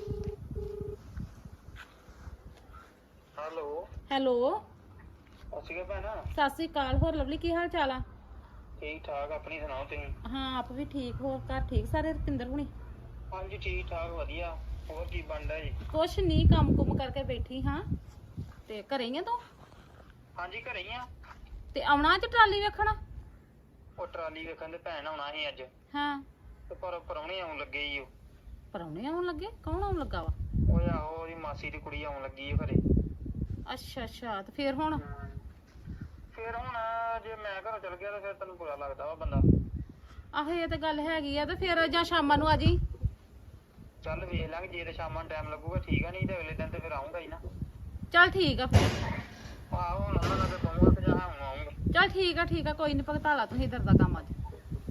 C: ਹੈਲੋ
D: ਹੈਲੋ,
C: ਅਸੀਂ ਭੈਣਾ,
D: ਸਤਿ ਸ੍ਰੀ ਅਕਾਲ। ਹੋਰ ਲਵਲੀ, ਕੀ ਹਾਲ ਚਾਲ ਆ?
C: ਠੀਕ ਠਾਕ, ਆਪਣੀ ਸੁਣਾਓ ਤੁਸੀਂ?
D: ਹਾਂ ਆਪ ਵੀ ਠੀਕ। ਹੋਰ ਘਰ ਠੀਕ ਸਾਰੇ? ਰੁਪਿੰਦਰ ਹੁਣੀ?
C: ਹਾਂਜੀ ਠੀਕ ਠਾਕ, ਵਧੀਆ। ਹੋਰ ਕੀ ਬਣਦਾ ਜੀ?
D: ਕੁਛ ਨਹੀਂ, ਕੰਮ ਕੁਮ ਕਰਕੇ ਬੈਠੀ ਹਾਂ। ਤੇ ਘਰੇ ਹੀ ਆ ਤੂੰ?
C: ਹਾਂਜੀ ਘਰੇ ਹੀ ਆ।
D: ਤੇ ਆਉਣਾ ਅੱਜ ਟਰਾਲੀ ਵੇਖਣ?
C: ਉਹ ਟਰਾਲੀ ਵੇਖਣ ਦੇ ਭੈਣ ਆਉਣਾ ਸੀ ਅੱਜ,
D: ਹਾਂ,
C: ਤੇ ਪਰ ਪਰੌਣੇ ਆਉਣ ਲੱਗੇ ਈ।
D: ਪਰਾਉਣੇ ਆਉਣ ਲੱਗੇ? ਕੌਣ ਆਉਣ ਲੱਗਾ ਵਾ?
C: ਉਹ ਆਹੋ, ਉਹਦੀ ਮਾਸੀ ਦੀ ਕੁੜੀ ਆਉਣ ਲੱਗੀ ਏ ਘਰੇ।
D: ਅੱਛਾ ਅੱਛਾ, ਤੇ ਫੇਰ ਹੁਣ?
C: ਫਿਰ ਹੁਣ ਜੇ ਮੈਂ ਘਰੋਂ ਚਲ ਗਿਆ ਤਾਂ ਫਿਰ ਤੈਨੂੰ ਬੁਰਾ ਲੱਗਦਾ ਵਾ ਬੰਦਾ।
D: ਆਹੋ ਇਹ ਤਾਂ ਗੱਲ ਹੈਗੀ ਆ। ਤੇ ਫੇਰ ਜਾਂ ਸ਼ਾਮਾਂ ਨੂੰ ਆ ਜੀ।
C: ਚੱਲ ਵੇਖ ਲਾਂਗੇ, ਜੇ ਤੇ ਸ਼ਾਮਾਂ ਨੂੰ ਟਾਈਮ ਲੱਗੂਗਾ ਠੀਕ ਆ, ਨਹੀਂ ਤੇ ਅਗਲੇ ਦਿਨ ਤੇ ਫਿਰ ਆਉਂਗਾ ਹੀ ਨਾ।
D: ਚੱਲ ਠੀਕ ਆ ਫਿਰ।
C: ਆਹੋ ਹੁਣ ਉਹਨਾਂ ਨਾਲ ਕਹੂੰਗਾ ਕਿ ਜਾਂ ਹੁਣ ਆਉਂਗਾ।
D: ਚੱਲ ਠੀਕ ਆ ਠੀਕ ਆ, ਕੋਈ ਨੀ, ਭਗਤਾਲਾ ਤੁਸੀਂ ਇੱਧਰ ਦਾ ਕੰਮ ਅੱਜ।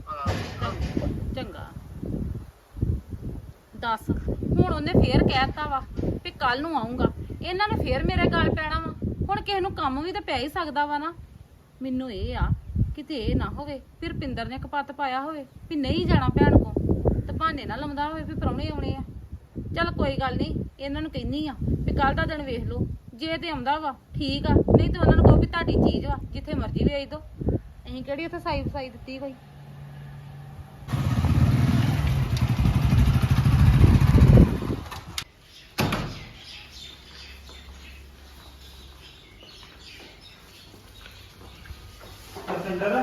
D: ਚੰਗਾ। ਦੱਸ, ਹੁਣ ਉਹਨੇ ਫੇਰ ਕਹਿਤਾ ਵਾ ਵੀ ਕੱਲ ਨੂੰ ਆਉਂਗਾ। ਇਹਨਾਂ ਨੇ ਫੇਰ ਮੇਰੇ ਗੱਲ ਪੈਣਾ ਵਾ। ਹੁਣ ਕਿਸੇ ਨੂੰ ਕੰਮ ਵੀ ਤਾਂ ਪੈ ਹੀ ਸਕਦਾ ਵਾ ਨਾ। ਮੈਨੂੰ ਇਹ ਆ ਕਿਤੇ ਇਹ ਨਾ ਹੋਵੇ ਫਿਰ ਪਿੰਦਰ ਨੇ ਕਪੱਤ ਪਾਇਆ ਹੋਵੇ ਵੀ ਨਹੀਂ ਜਾਣਾ ਭੈਣ ਕੋ ਤੇ ਬਹਾਨੇ ਨਾ ਲਾਉਂਦਾ ਹੋਵੇ ਵੀ ਪ੍ਰਾਹੁਣੇ ਆਉਣੇ ਆ। ਚੱਲ ਕੋਈ ਗੱਲ ਨਹੀਂ, ਇਹਨਾਂ ਨੂੰ ਕਹਿੰਨੀ ਆ ਵੀ ਕੱਲ ਦਾ ਦਿਨ ਵੇਖ ਲਓ, ਜੇ ਤੇ ਆਉਂਦਾ ਵਾ ਠੀਕ ਆ, ਨਹੀਂ ਤੇ ਉਹਨਾਂ ਨੂੰ ਕਹੋ ਵੀ ਤੁਹਾਡੀ ਚੀਜ਼ ਵਾ, ਜਿੱਥੇ ਮਰਜ਼ੀ ਵੇਚ ਦਿਓ। ਅਸੀਂ ਕਿਹੜੀ ਉੱਥੇ ਸਾਈ ਦਿੱਤੀ ਕੋਈ।
C: ਸਿੰਦਰ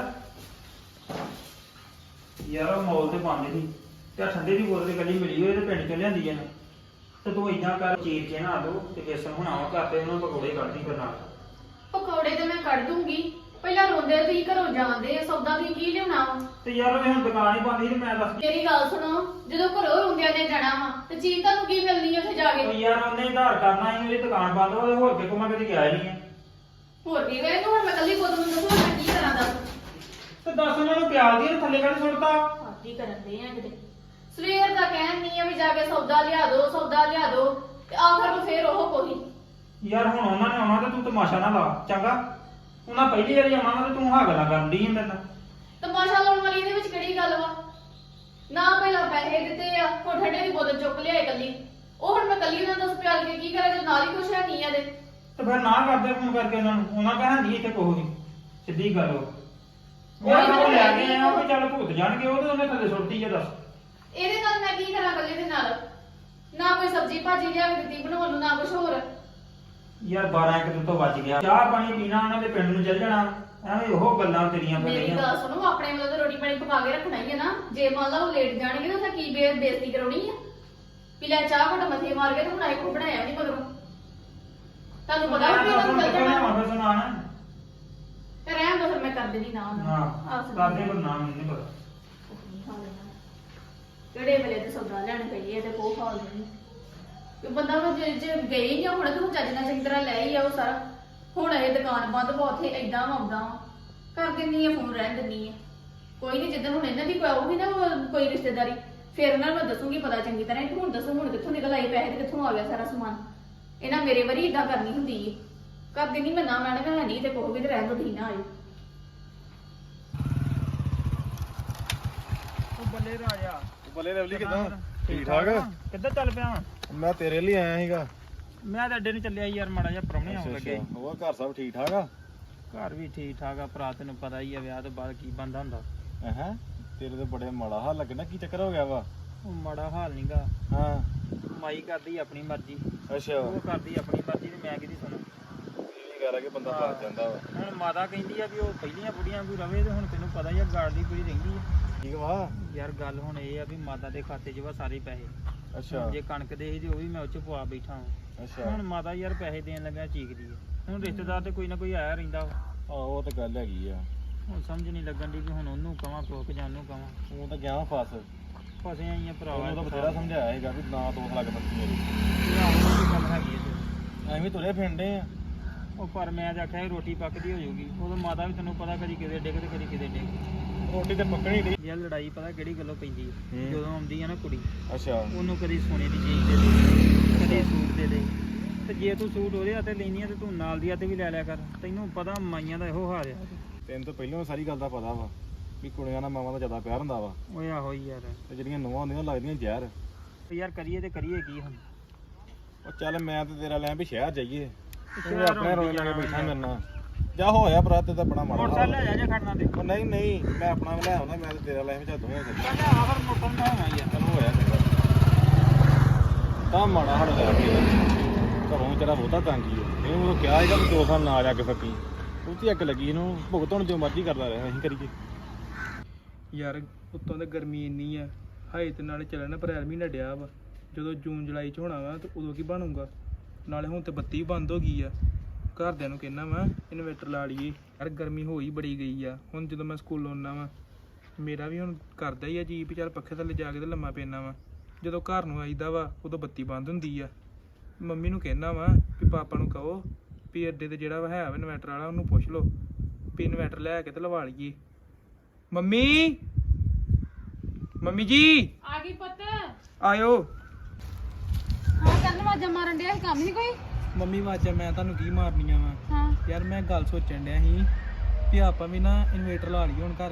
C: ਯਾਰ ਉਹ ਮੌਲ ਤੇ ਪਾਉਂਦੇ ਸੀ ਤੇ ਆਹ ਠੰਡੇ ਦੀ ਬੋਤਲ ਇਕੱਲੀ ਮਿਲੀ ਹੋਈ ਤੇ ਪਿੰਡ ਚੋਂ ਲਿਆਂਦੀ ਆ ਤੇ ਤੂੰ ਇਦਾਂ ਕਰ ਚੀਰ ਕੇ ਨਾ ਦੋ ਤੇ ਬੇਸਣ ਬਣਾਵਾ ਘਰ ਤੇ ਉਹਨਾਂ ਪਕੌੜੇ ਕੱਢਦੀ ਫਿਰ ਨਾਲ।
B: ਪਕੌੜੇ ਤੇ ਮੈਂ ਕੱਢ ਦੂੰਗੀ, ਪਹਿਲਾਂ ਰੋਂਦੇ ਤੁਸੀਂ ਘਰੋਂ ਜਾਂਦੇ ਆ, ਸੌਦਾ ਤੁਸੀਂ ਕੀ ਲਿਆਉਣਾ ਵਾ?
C: ਤੇ ਯਾਰ ਉਹ ਹੁਣ ਦੁਕਾਨ ਹੀ ਬੰਦ ਸੀ ਤੇ ਮੈਂ ਦੱਸ
B: ਮੇਰੀ ਗੱਲ ਸੁਣੋ, ਜਦੋਂ ਘਰੋਂ ਰੋਂਦਿਆਂ ਨੇ ਜਾਣਾ ਵਾ ਤੇ ਚੀਜ਼ ਤੁਹਾਨੂੰ ਕੀ ਮਿਲਣੀ ਉੱਥੇ ਜਾ
C: ਉਹ
B: ਕੇ?
C: ਯਾਰ ਉਹਨੇ ਉਧਾਰ ਕਰਨਾ ਸੀ, ਉਹਦੀ ਦੁਕਾਨ ਬੰਦ ਵਾ ਤੇ ਹੋਰ ਕਿਤੇ ਮੈਂ ਕਦੇ ਗਿਆ ਹੀ ਨਹੀਂ ਆ।
B: ਹੋਰ ਕੀ ਵੇ ਤੂੰ ਹੁਣ ਮੈਂ ਕੱਲੀ ਕੋਦ ਨੂੰ ਦੱਸੋ ਮੈਂ ਕੀ ਕਰਾਂ ਦੱਸ?
C: ਤੇ ਦੱਸ ਉਹਨਾਂ ਨੂੰ ਪਿਆਲ ਦੀ ਥੱਲੇ ਕੱਢ ਸੁੱਟਤਾ।
B: ਆਤੀ ਕਰਨ ਦੇ ਆ ਕਿਤੇ ਸਵੇਰ ਦਾ ਕਹਿਣ ਨਹੀਂ ਆ ਵੀ ਜਾ ਕੇ ਸੌਦਾ ਲਿਆ ਦੋ ਤੇ ਆਖਰ ਨੂੰ ਫੇਰ ਉਹ ਕੋਈ।
C: ਯਾਰ ਹੁਣ ਉਹਨਾਂ ਨੇ ਆਉਣਾ ਤੇ ਤੂੰ ਤਮਾਸ਼ਾ ਨਾ ਲਾ ਚੰਗਾ। ਉਹਨਾਂ ਪਹਿਲੀ ਵਾਰੀ ਆਉਣਾ ਵਾ ਤੇ ਤੂੰ ਹਾਂ ਗੱਲਾਂ ਕਰਨ ਦੀ ਮੇਰੇ ਨਾਲ।
B: ਤਮਾਸ਼ਾ ਲਾਉਣ ਵਾਲੀ ਇਹਦੇ ਵਿੱਚ ਕਿਹੜੀ ਗੱਲ ਵਾ? ਨਾ ਪਹਿਲਾਂ ਪੈਸੇ ਦਿੱਤੇ ਆ, ਹੁਣ ਠੰਡੇ ਦੀ ਬੋਤਲ ਚੁੱਕ ਲਿਆਏ ਕੱਲੀ। ਉਹ ਹੁਣ ਮੈਂ ਕੱਲੀ ਉਹਨਾਂ ਦੱਸ ਪਿਆਲ ਕੇ ਕੀ ਕਰਾਂ ਜੇ ਨਾਲ ਹੀ ਕੁਛ ਹੈ ਨਹੀਂ ਇਹਦੇ।
C: ਤੇ ਫਿਰ ਨਾ ਕਰਦੇ ਫੋਨ ਕਰਕੇ ਉਹਨਾਂ ਨੂੰ, ਉਹਨਾਂ ਕਹਿਣਾ ਨਹੀਂ ਇੱਥੇ ਕੋਈ ਵੀ ਸਿੱਧੀ ਗੱਲ ਉਹ ਉਹ ਲੈ ਕੇ ਆਇਆ ਉਹ ਚੱਲ ਭੁੱਤ ਜਾਣਗੇ ਉਹ ਤੇ ਉਹਨੇ ਥੱਲੇ ਸੁੱਟਦੀ ਆ। ਦੱਸ
B: ਇਹਦੇ ਨਾਲ ਮੈਂ ਕੀ ਕਰਾਂ ਕੱਲੇ ਦੇ ਨਾਲ? ਨਾ ਕੋਈ ਸਬਜ਼ੀ ਭਾਜੀ ਲਿਆ ਕੇ ਦਿੱਤੀ ਬਣਾਉਣ ਨੂੰ, ਨਾ ਕੁਛ ਹੋਰ।
C: ਯਾਰ 12 ਇੱਕ ਦਿਨ ਤੋਂ ਵੱਜ ਗਿਆ, ਚਾਹ ਪਾਣੀ ਪੀਣਾ ਉਹਨਾਂ ਦੇ ਪਿੰਡ ਨੂੰ ਚੱਲ ਜਾਣਾ, ਐਵੇਂ ਉਹ ਗੱਲਾਂ ਤੇਰੀਆਂ ਫਿਰ
B: ਮੇਰੀ
C: ਰਹੀਆਂ।
B: ਗੱਲ ਸੁਣੋ, ਆਪਣੇ ਵੱਲੋਂ ਤਾਂ ਰੋਟੀ ਪਾਣੀ ਪਕਾ ਕੇ ਰੱਖਣਾ ਹੀ ਹੈ ਨਾ। ਜੇ ਮੰਨ ਲਾ ਉਹ ਲੇਟ ਜਾਣਗੇ ਤਾਂ ਉੱਥੇ ਕੀ ਬੇਇੱਜ਼ਤੀ ਕਰਾਉਣੀ ਆ? ਵੀ ਲੈ ਚਾਹ ਘੁੱਟ ਮੱਥੇ ਮਾਰ ਕੇ ਤੇ ਹੁਣ ਆਏ ਕੋ ਬਣਾਇਆ ਨਹੀਂ ਮਗਰੋਂ। ਤੁਹਾਨੂੰ ਪਤਾ ਵੀ ਉਹਨਾਂ ਨੂੰ ਚੱਲ ਜਾਣਾ
C: ਫਿਰ ਸੁਣਾਣਾ
B: ਤੇ ਰਹਿਣ ਦੋ, ਫਿਰ ਮੈਂ ਕਰ ਦੇਣੀ ਨਾ
C: ਹਾਂ ਕਰਦੇ ਪਰ ਨਾਮ ਨਹੀਂ ਪਤਾ।
B: ਕਿਹੜੇ ਵੇਲੇ ਤੇ ਸੌਦਾ ਲੈਣ ਗਈ ਹੈ ਤੇ ਕੋਹ ਖਾ ਲੈਣੀ ਕਿ ਬੰਦਾ ਵਾ ਜੇ ਗਈ ਨਹੀਂ ਹੁਣ ਤੂੰ ਚੱਜ ਨਾਲ ਚੰਗੀ ਤਰ੍ਹਾਂ ਲੈ ਹੀ ਆਓ ਸਾਰਾ। ਹੁਣ ਇਹ ਦੁਕਾਨ ਬੰਦ ਵਾ, ਉੱਥੇ ਏਦਾਂ ਆਉਂਦਾ ਵਾ, ਕਰ ਦਿੰਨੀ ਆ ਫੋਨ, ਰਹਿਣ ਦਿੰਨੀ ਆ। ਕੋਈ ਨਹੀਂ, ਜਿੱਦਣ ਹੁਣ ਇਹਨਾਂ ਦੀ ਆਊਗੀ ਨਾ ਕੋਈ ਰਿਸ਼ਤੇਦਾਰੀ ਫਿਰ ਉਹਨਾਂ ਨੂੰ ਮੈਂ ਦੱਸੂਗੀ ਪਤਾ ਚੰਗੀ ਤਰ੍ਹਾਂ। ਹੁਣ ਦੱਸੋ ਹੁਣ ਕਿੱਥੋਂ ਨਿਕਲ ਆਏ ਪੈਸੇ ਤੇ ਕਿੱਥੋਂ ਆ ਗਿਆ ਸਾਰਾ ਸਮਾਨ? ਇਹਨਾਂ ਮੇਰੇ ਵਾਰੀ ਏਦਾਂ ਕਰਨੀ ਹੁੰਦੀ ਏ। ਕਰ ਦਿੰਨੀ ਮੈਂ ਨਾ ਮੈਡਮ ਹੈ ਨਹੀਂ ਤੇ ਕਹੋਗੇ ਤੇ ਰਹਿਣ ਦੋ, ਠੀਕ ਨਾ ਆਇਓ।
C: ਉਹ ਬੱਲੇ ਰਾਜਾ
E: ਬੱਲੇ ਲਵਲੀ ਕਿਦਾਂ? ਠੀਕ ਠਾਕ?
C: ਕਿੱਧਰ ਚੱਲ ਪਿਆ ਵਾਂ?
E: ਮੈਂ ਤੇਰੇ ਲਈ ਆਇਆ ਸੀਗਾ।
C: ਮੈਂ ਤਾਂ ਅੱਡੇ ਨੂੰ ਚੱਲਿਆ ਯਾਰ, ਮਾੜਾ ਜਿਹਾ ਪ੍ਰਾਹੁਣੇ ਆਉਣ ਲੱਗੇ।
E: ਉਹ ਘਰ ਸਭ ਠੀਕ ਠਾਕ ਆ?
C: ਘਰ ਵੀ ਠੀਕ ਠਾਕ ਆ ਭਰਾ, ਤੈਨੂੰ ਪਤਾ ਹੀ ਆ ਵਿਆਹ ਤੋਂ ਬਾਅਦ ਕੀ ਬੰਦਾ ਹੁੰਦਾ।
E: ਹੈ ਤੇਰੇ ਤੇ ਬੜੇ ਮਾੜਾ ਹਾਲ ਲੱਗਣਾ, ਕੀ ਚੱਕਰ ਹੋ ਗਿਆ ਵਾ?
C: ਉਹ ਮਾੜਾ ਹਾਲ ਨਹੀਂਗਾ,
E: ਹਾਂ
C: ਮਾਈ ਕਰਦੀ ਆਪਣੀ ਮਰਜ਼ੀ,
E: ਅੱਛਾ
C: ਉਹ ਕਰਦੀ ਆਪਣੀ ਮਰਜ਼ੀ ਤੇ ਮੈਂ ਕਿਹਦੀ ਸੁਣਾ।
E: ਇਹ ਗੱਲ ਆ ਕਿ ਬੰਦਾ ਫਸ ਜਾਂਦਾ ਵਾ।
C: ਹੁਣ ਮਾਤਾ ਕਹਿੰਦੀ ਆ ਵੀ ਉਹ ਪਹਿਲੀਆਂ ਬੁੜੀਆਂ ਕੋਈ ਰਵੇ ਤੇ ਹੁਣ ਤੈਨੂੰ ਪਤਾ ਹੀ ਆ ਗਾੜ ਦੀ ਪੂਰੀ ਰਹਿੰਦੀ ਆ।
E: ਠੀਕ ਵਾ।
C: ਯਾਰ ਗੱਲ ਹੁਣ ਇਹ ਆ ਵੀ ਮਾਤਾ ਦੇ ਖਾਤੇ 'ਚ ਵਾ ਸਾਰੇ ਪੈਸੇ।
E: ਅੱਛਾ
C: ਜੇ ਕਣਕ ਦੇ ਸੀ ਤੇ ਉਹ ਵੀ ਮੈਂ ਉਹ 'ਚ ਪਵਾ ਬੈਠਾ ਹਾਂ।
E: ਅੱਛਾ
C: ਹੁਣ ਮਾਤਾ ਯਾਰ ਪੈਸੇ ਦੇਣ ਲੱਗਾ ਚੀਕਦੀ ਆ। ਹੁਣ ਰਿਸ਼ਤੇਦਾਰ ਤੇ ਕੋਈ ਨਾ ਕੋਈ ਆਇਆ ਰਹਿੰਦਾ ਵਾ।
E: ਆਹੋ ਉਹ ਤਾਂ ਗੱਲ ਹੈਗੀ ਆ।
C: ਹੁਣ ਸਮਝ ਨਹੀਂ ਲੱਗਣ ਦੀ ਕਿ ਹੁਣ ਉਹਨੂੰ ਕਵਾਂ ਕੋਕ ਜਾਂ ਉਹਨੂੰ ਕਵਾਂ।
E: ਉਹ ਤਾਂ ਗਿਆ ਫਸ।
C: ਫਸੇ ਆਈਆਂ ਭਰਾਵਾ।
E: ਉਹਨੂੰ ਤਾਂ ਬਥੇਰਾ ਸਮਝਾਇਆ ਹੈਗਾ ਵੀ ਨਾ ਦੋਖ ਲੱਗ ਬੱਤੀ ਮੇਰੀ।
C: ਗੱਲ ਹੈਗੀ ਆ
E: ਐਵੇਂ ਤੁਰੇ ਫਿਰਦੇ ਆ।
C: ਉਹ ਪਰ ਮੈਂ ਤਾਂ ਆਖਿਆ ਸੀ ਰੋਟੀ ਪੱਕਦੀ ਹੋ ਜਾਊਗੀ। ਉਦੋਂ ਮਾਤਾ ਵੀ ਤੈਨੂੰ ਪਤਾ ਕਦੀ ਕਿਤੇ ਡਿੱਗ ਤੇ ਕਦੀ ਕਿਤੇ ਡਿੱਗ।
E: ਰੋਟੀ ਤੇ ਪੱਕਣੀ ਨਹੀਂ।
C: ਯਾਰ ਲੜਾਈ ਪਤਾ ਕਿਹੜੀ ਗੱਲੋਂ ਪੈਂਦੀ ਹੈ? ਜਦੋਂ ਆਉਂਦੀ ਆ ਨਾ ਕੁੜੀ,
E: ਅੱਛਾ
C: ਉਹਨੂੰ ਕਦੀ ਸੋਨੇ ਦੀ ਚੀਜ਼ ਦੇ ਦੇ, ਕਦੀ ਸੂਟ ਦੇ ਦੇ। ਤੇ ਜੇ ਤੂੰ ਸੂਟ ਉਹਦੇ ਹੱਥੇ ਲੈਣੀ ਆ ਤੇ ਤੂੰ ਨਾਲ ਦੀ ਹੱਥੇ ਵੀ ਲੈ ਲਿਆ ਕਰ। ਤੈਨੂੰ ਪਤਾ ਮਾਈਆਂ ਦਾ ਇਹੋ ਹਾਲ ਆ।
E: ਤੈਨੂੰ ਤਾਂ ਪਹਿਲਾਂ ਸਾਰੀ ਗੱਲ ਦਾ ਪਤਾ ਵਾ ਵੀ ਕੁੜੀਆਂ ਨਾਲ ਮਾਵਾਂ ਦਾ ਜ਼ਿਆਦਾ ਪਿਆਰ ਹੁੰਦਾ ਵਾ
C: ਓਏ ਆਹੋ ਹੀ ਯਾਰ।
E: ਤੇ ਜਿਹੜੀਆਂ ਨੂੰਹਾਂ ਹੁੰਦੀਆਂ ਲੱਗਦੀਆਂ ਜ਼ਹਿਰ।
C: ਤੇ ਯਾਰ ਕਰੀਏ ਤੇ ਕਰੀਏ ਕੀ ਹੁਣ?
E: ਉਹ ਚੱਲ ਮੈਂ ਤੇ ਤੇਰਾ ਲੈ ਵੀ ਸ਼ਹਿਰ ਜਾਈਏ। ਤੂੰ
C: ਸ਼ਹਿਰ
E: ਆਪਣੇ ਰੋਏ
C: ਹੁੰਦੀ
E: ਲਾ ਕੇ
C: ਆ
E: ਬੈਠਾ ਮੇਰੇ ਨਾਲ। ਜਾ ਹੋਇਆ ਭਰਾ ਤੇ ਤਾਂ ਬੜਾ ਮਾੜਾ
C: ਮੋਟਰਸਾਈਕਲ
E: ਹਾਲ।
C: ਲੈ ਜਾ ਜੇ ਖੜਨਾ ਤੇ।
E: ਉਹ ਨਹੀਂ ਨਹੀਂ ਮੈਂ ਆਪਣਾ ਲੈ ਆਉਣਾ, ਮੈਂ ਤੇ ਤੇਰਾ ਲੈ ਵੀ ਚੱਲ ਦੋਵੇਂ ਚੱਲ।
C: ਚੱਲ ਆਖਰ ਮੋਟਰ ਨਾ ਹੋਣਾ ਯਾਰ।
E: ਚਲ ਹੋਇਆ ਚੰਗਾ। ਤਾਂ ਮਾੜਾ ਹਾਲ ਲੈ ਕੇ ਘਰੋਂ ਵਿਚਾਰਾ ਬਹੁਤਾ ਤੰਗੀ ਹੈ। ਇਹਨੂੰ ਉਹ ਕਿਹਾ ਸੀਗਾ ਵੀ 2 ਸਾਲ ਨਾ ਜਾ ਕੇ ਫੱਕੀ। ਉਹ ਤੇ ਅੱਗ ਲੱਗੀ ਇਹਨੂੰ, ਭੁਗਤ ਹੁਣ ਜੋ ਮਰਜ਼ੀ ਕਰਦਾ ਰਿਹਾ, ਅਸੀਂ ਕਰੀਏ।
F: ਯਾਰ ਉੱਤੋਂ ਤਾਂ ਗਰਮੀ ਇੰਨੀ ਆ, ਹਾਏ ਤੇ ਨਾਲੇ ਚੱਲਣ ਅਪ੍ਰੈਲ ਮਹੀਨਾ ਡਿਆ ਵਾ। ਜਦੋਂ ਜੂਨ ਜੁਲਾਈ ਚ ਹੋਣਾ ਵਾ ਤੇ ਉਦੋਂ ਕੀ ਬਣੂਗਾ? ਨਾਲੇ ਹੁਣ ਤੇ ਬੱਤੀ ਵੀ ਬੰਦ ਹੋ ਗਈ ਆ। ਘਰਦਿਆਂ ਨੂੰ ਕਹਿਣਾ ਵਾ ਇਨਵੇਟਰ ਲਾ ਲਈਏ। ਯਾਰ ਗਰਮੀ ਹੋ ਹੀ ਬੜੀ ਗਈ ਆ। ਹੁਣ ਜਦੋਂ ਮੈਂ ਸਕੂਲੋਂ ਆਉਣਾ ਵਾ ਮੇਰਾ ਵੀ ਹੁਣ ਕਰਦਾ ਹੀ ਆ ਜੀ ਵੀ ਚੱਲ ਪੱਖੇ ਥੱਲੇ ਜਾ ਕੇ ਤੇ ਲੰਮਾ ਪੈਣਾ ਵਾ। ਜਦੋਂ ਘਰ ਨੂੰ ਆਈਦਾ ਵਾ ਉਦੋਂ ਬੱਤੀ ਬੰਦ ਹੁੰਦੀ ਆ। ਮੰਮੀ ਨੂੰ ਕਹਿਣਾ ਵਾ ਵੀ ਪਾਪਾ ਨੂੰ ਕਹੋ ਵੀ ਅੱਡੇ ਤੇ ਜਿਹੜਾ ਵਾ ਹੈ ਵਾ ਇਨਵੈਟਰ ਵਾਲਾ, ਉਹਨੂੰ ਪੁੱਛ ਲਓ ਵੀ ਇਨਵੈਟਰ ਲੈ ਕੇ ਤੇ ਲਵਾ ਲਈਏ। ਮੰਮੀ ਮੰਮੀ ਜੀ
D: ਆ ਗਈ ਪੁੱਤ।
F: ਆਇਓ।
D: ਹਾਂ ਕਰਨ ਵਾਜਾ ਮਾਰਨ ਡਿਆ ਸੀ, ਕੰਮ ਨਹੀਂ ਕੋਈ?
F: ਮੰਮੀ ਵਾਜਾ ਮੈਂ ਤੁਹਾਨੂੰ ਕੀ ਮਾਰਨੀਆਂ ਵਾ?
D: ਹਾਂ
F: ਯਾਰ ਮੈਂ ਗੱਲ ਸੋਚਣ ਡਿਆ ਸੀ ਵੀ ਆਪਾਂ ਵੀ ਨਾ ਇਨਵੇਟਰ ਲਾ ਲਈਏ ਹੁਣ ਘਰ।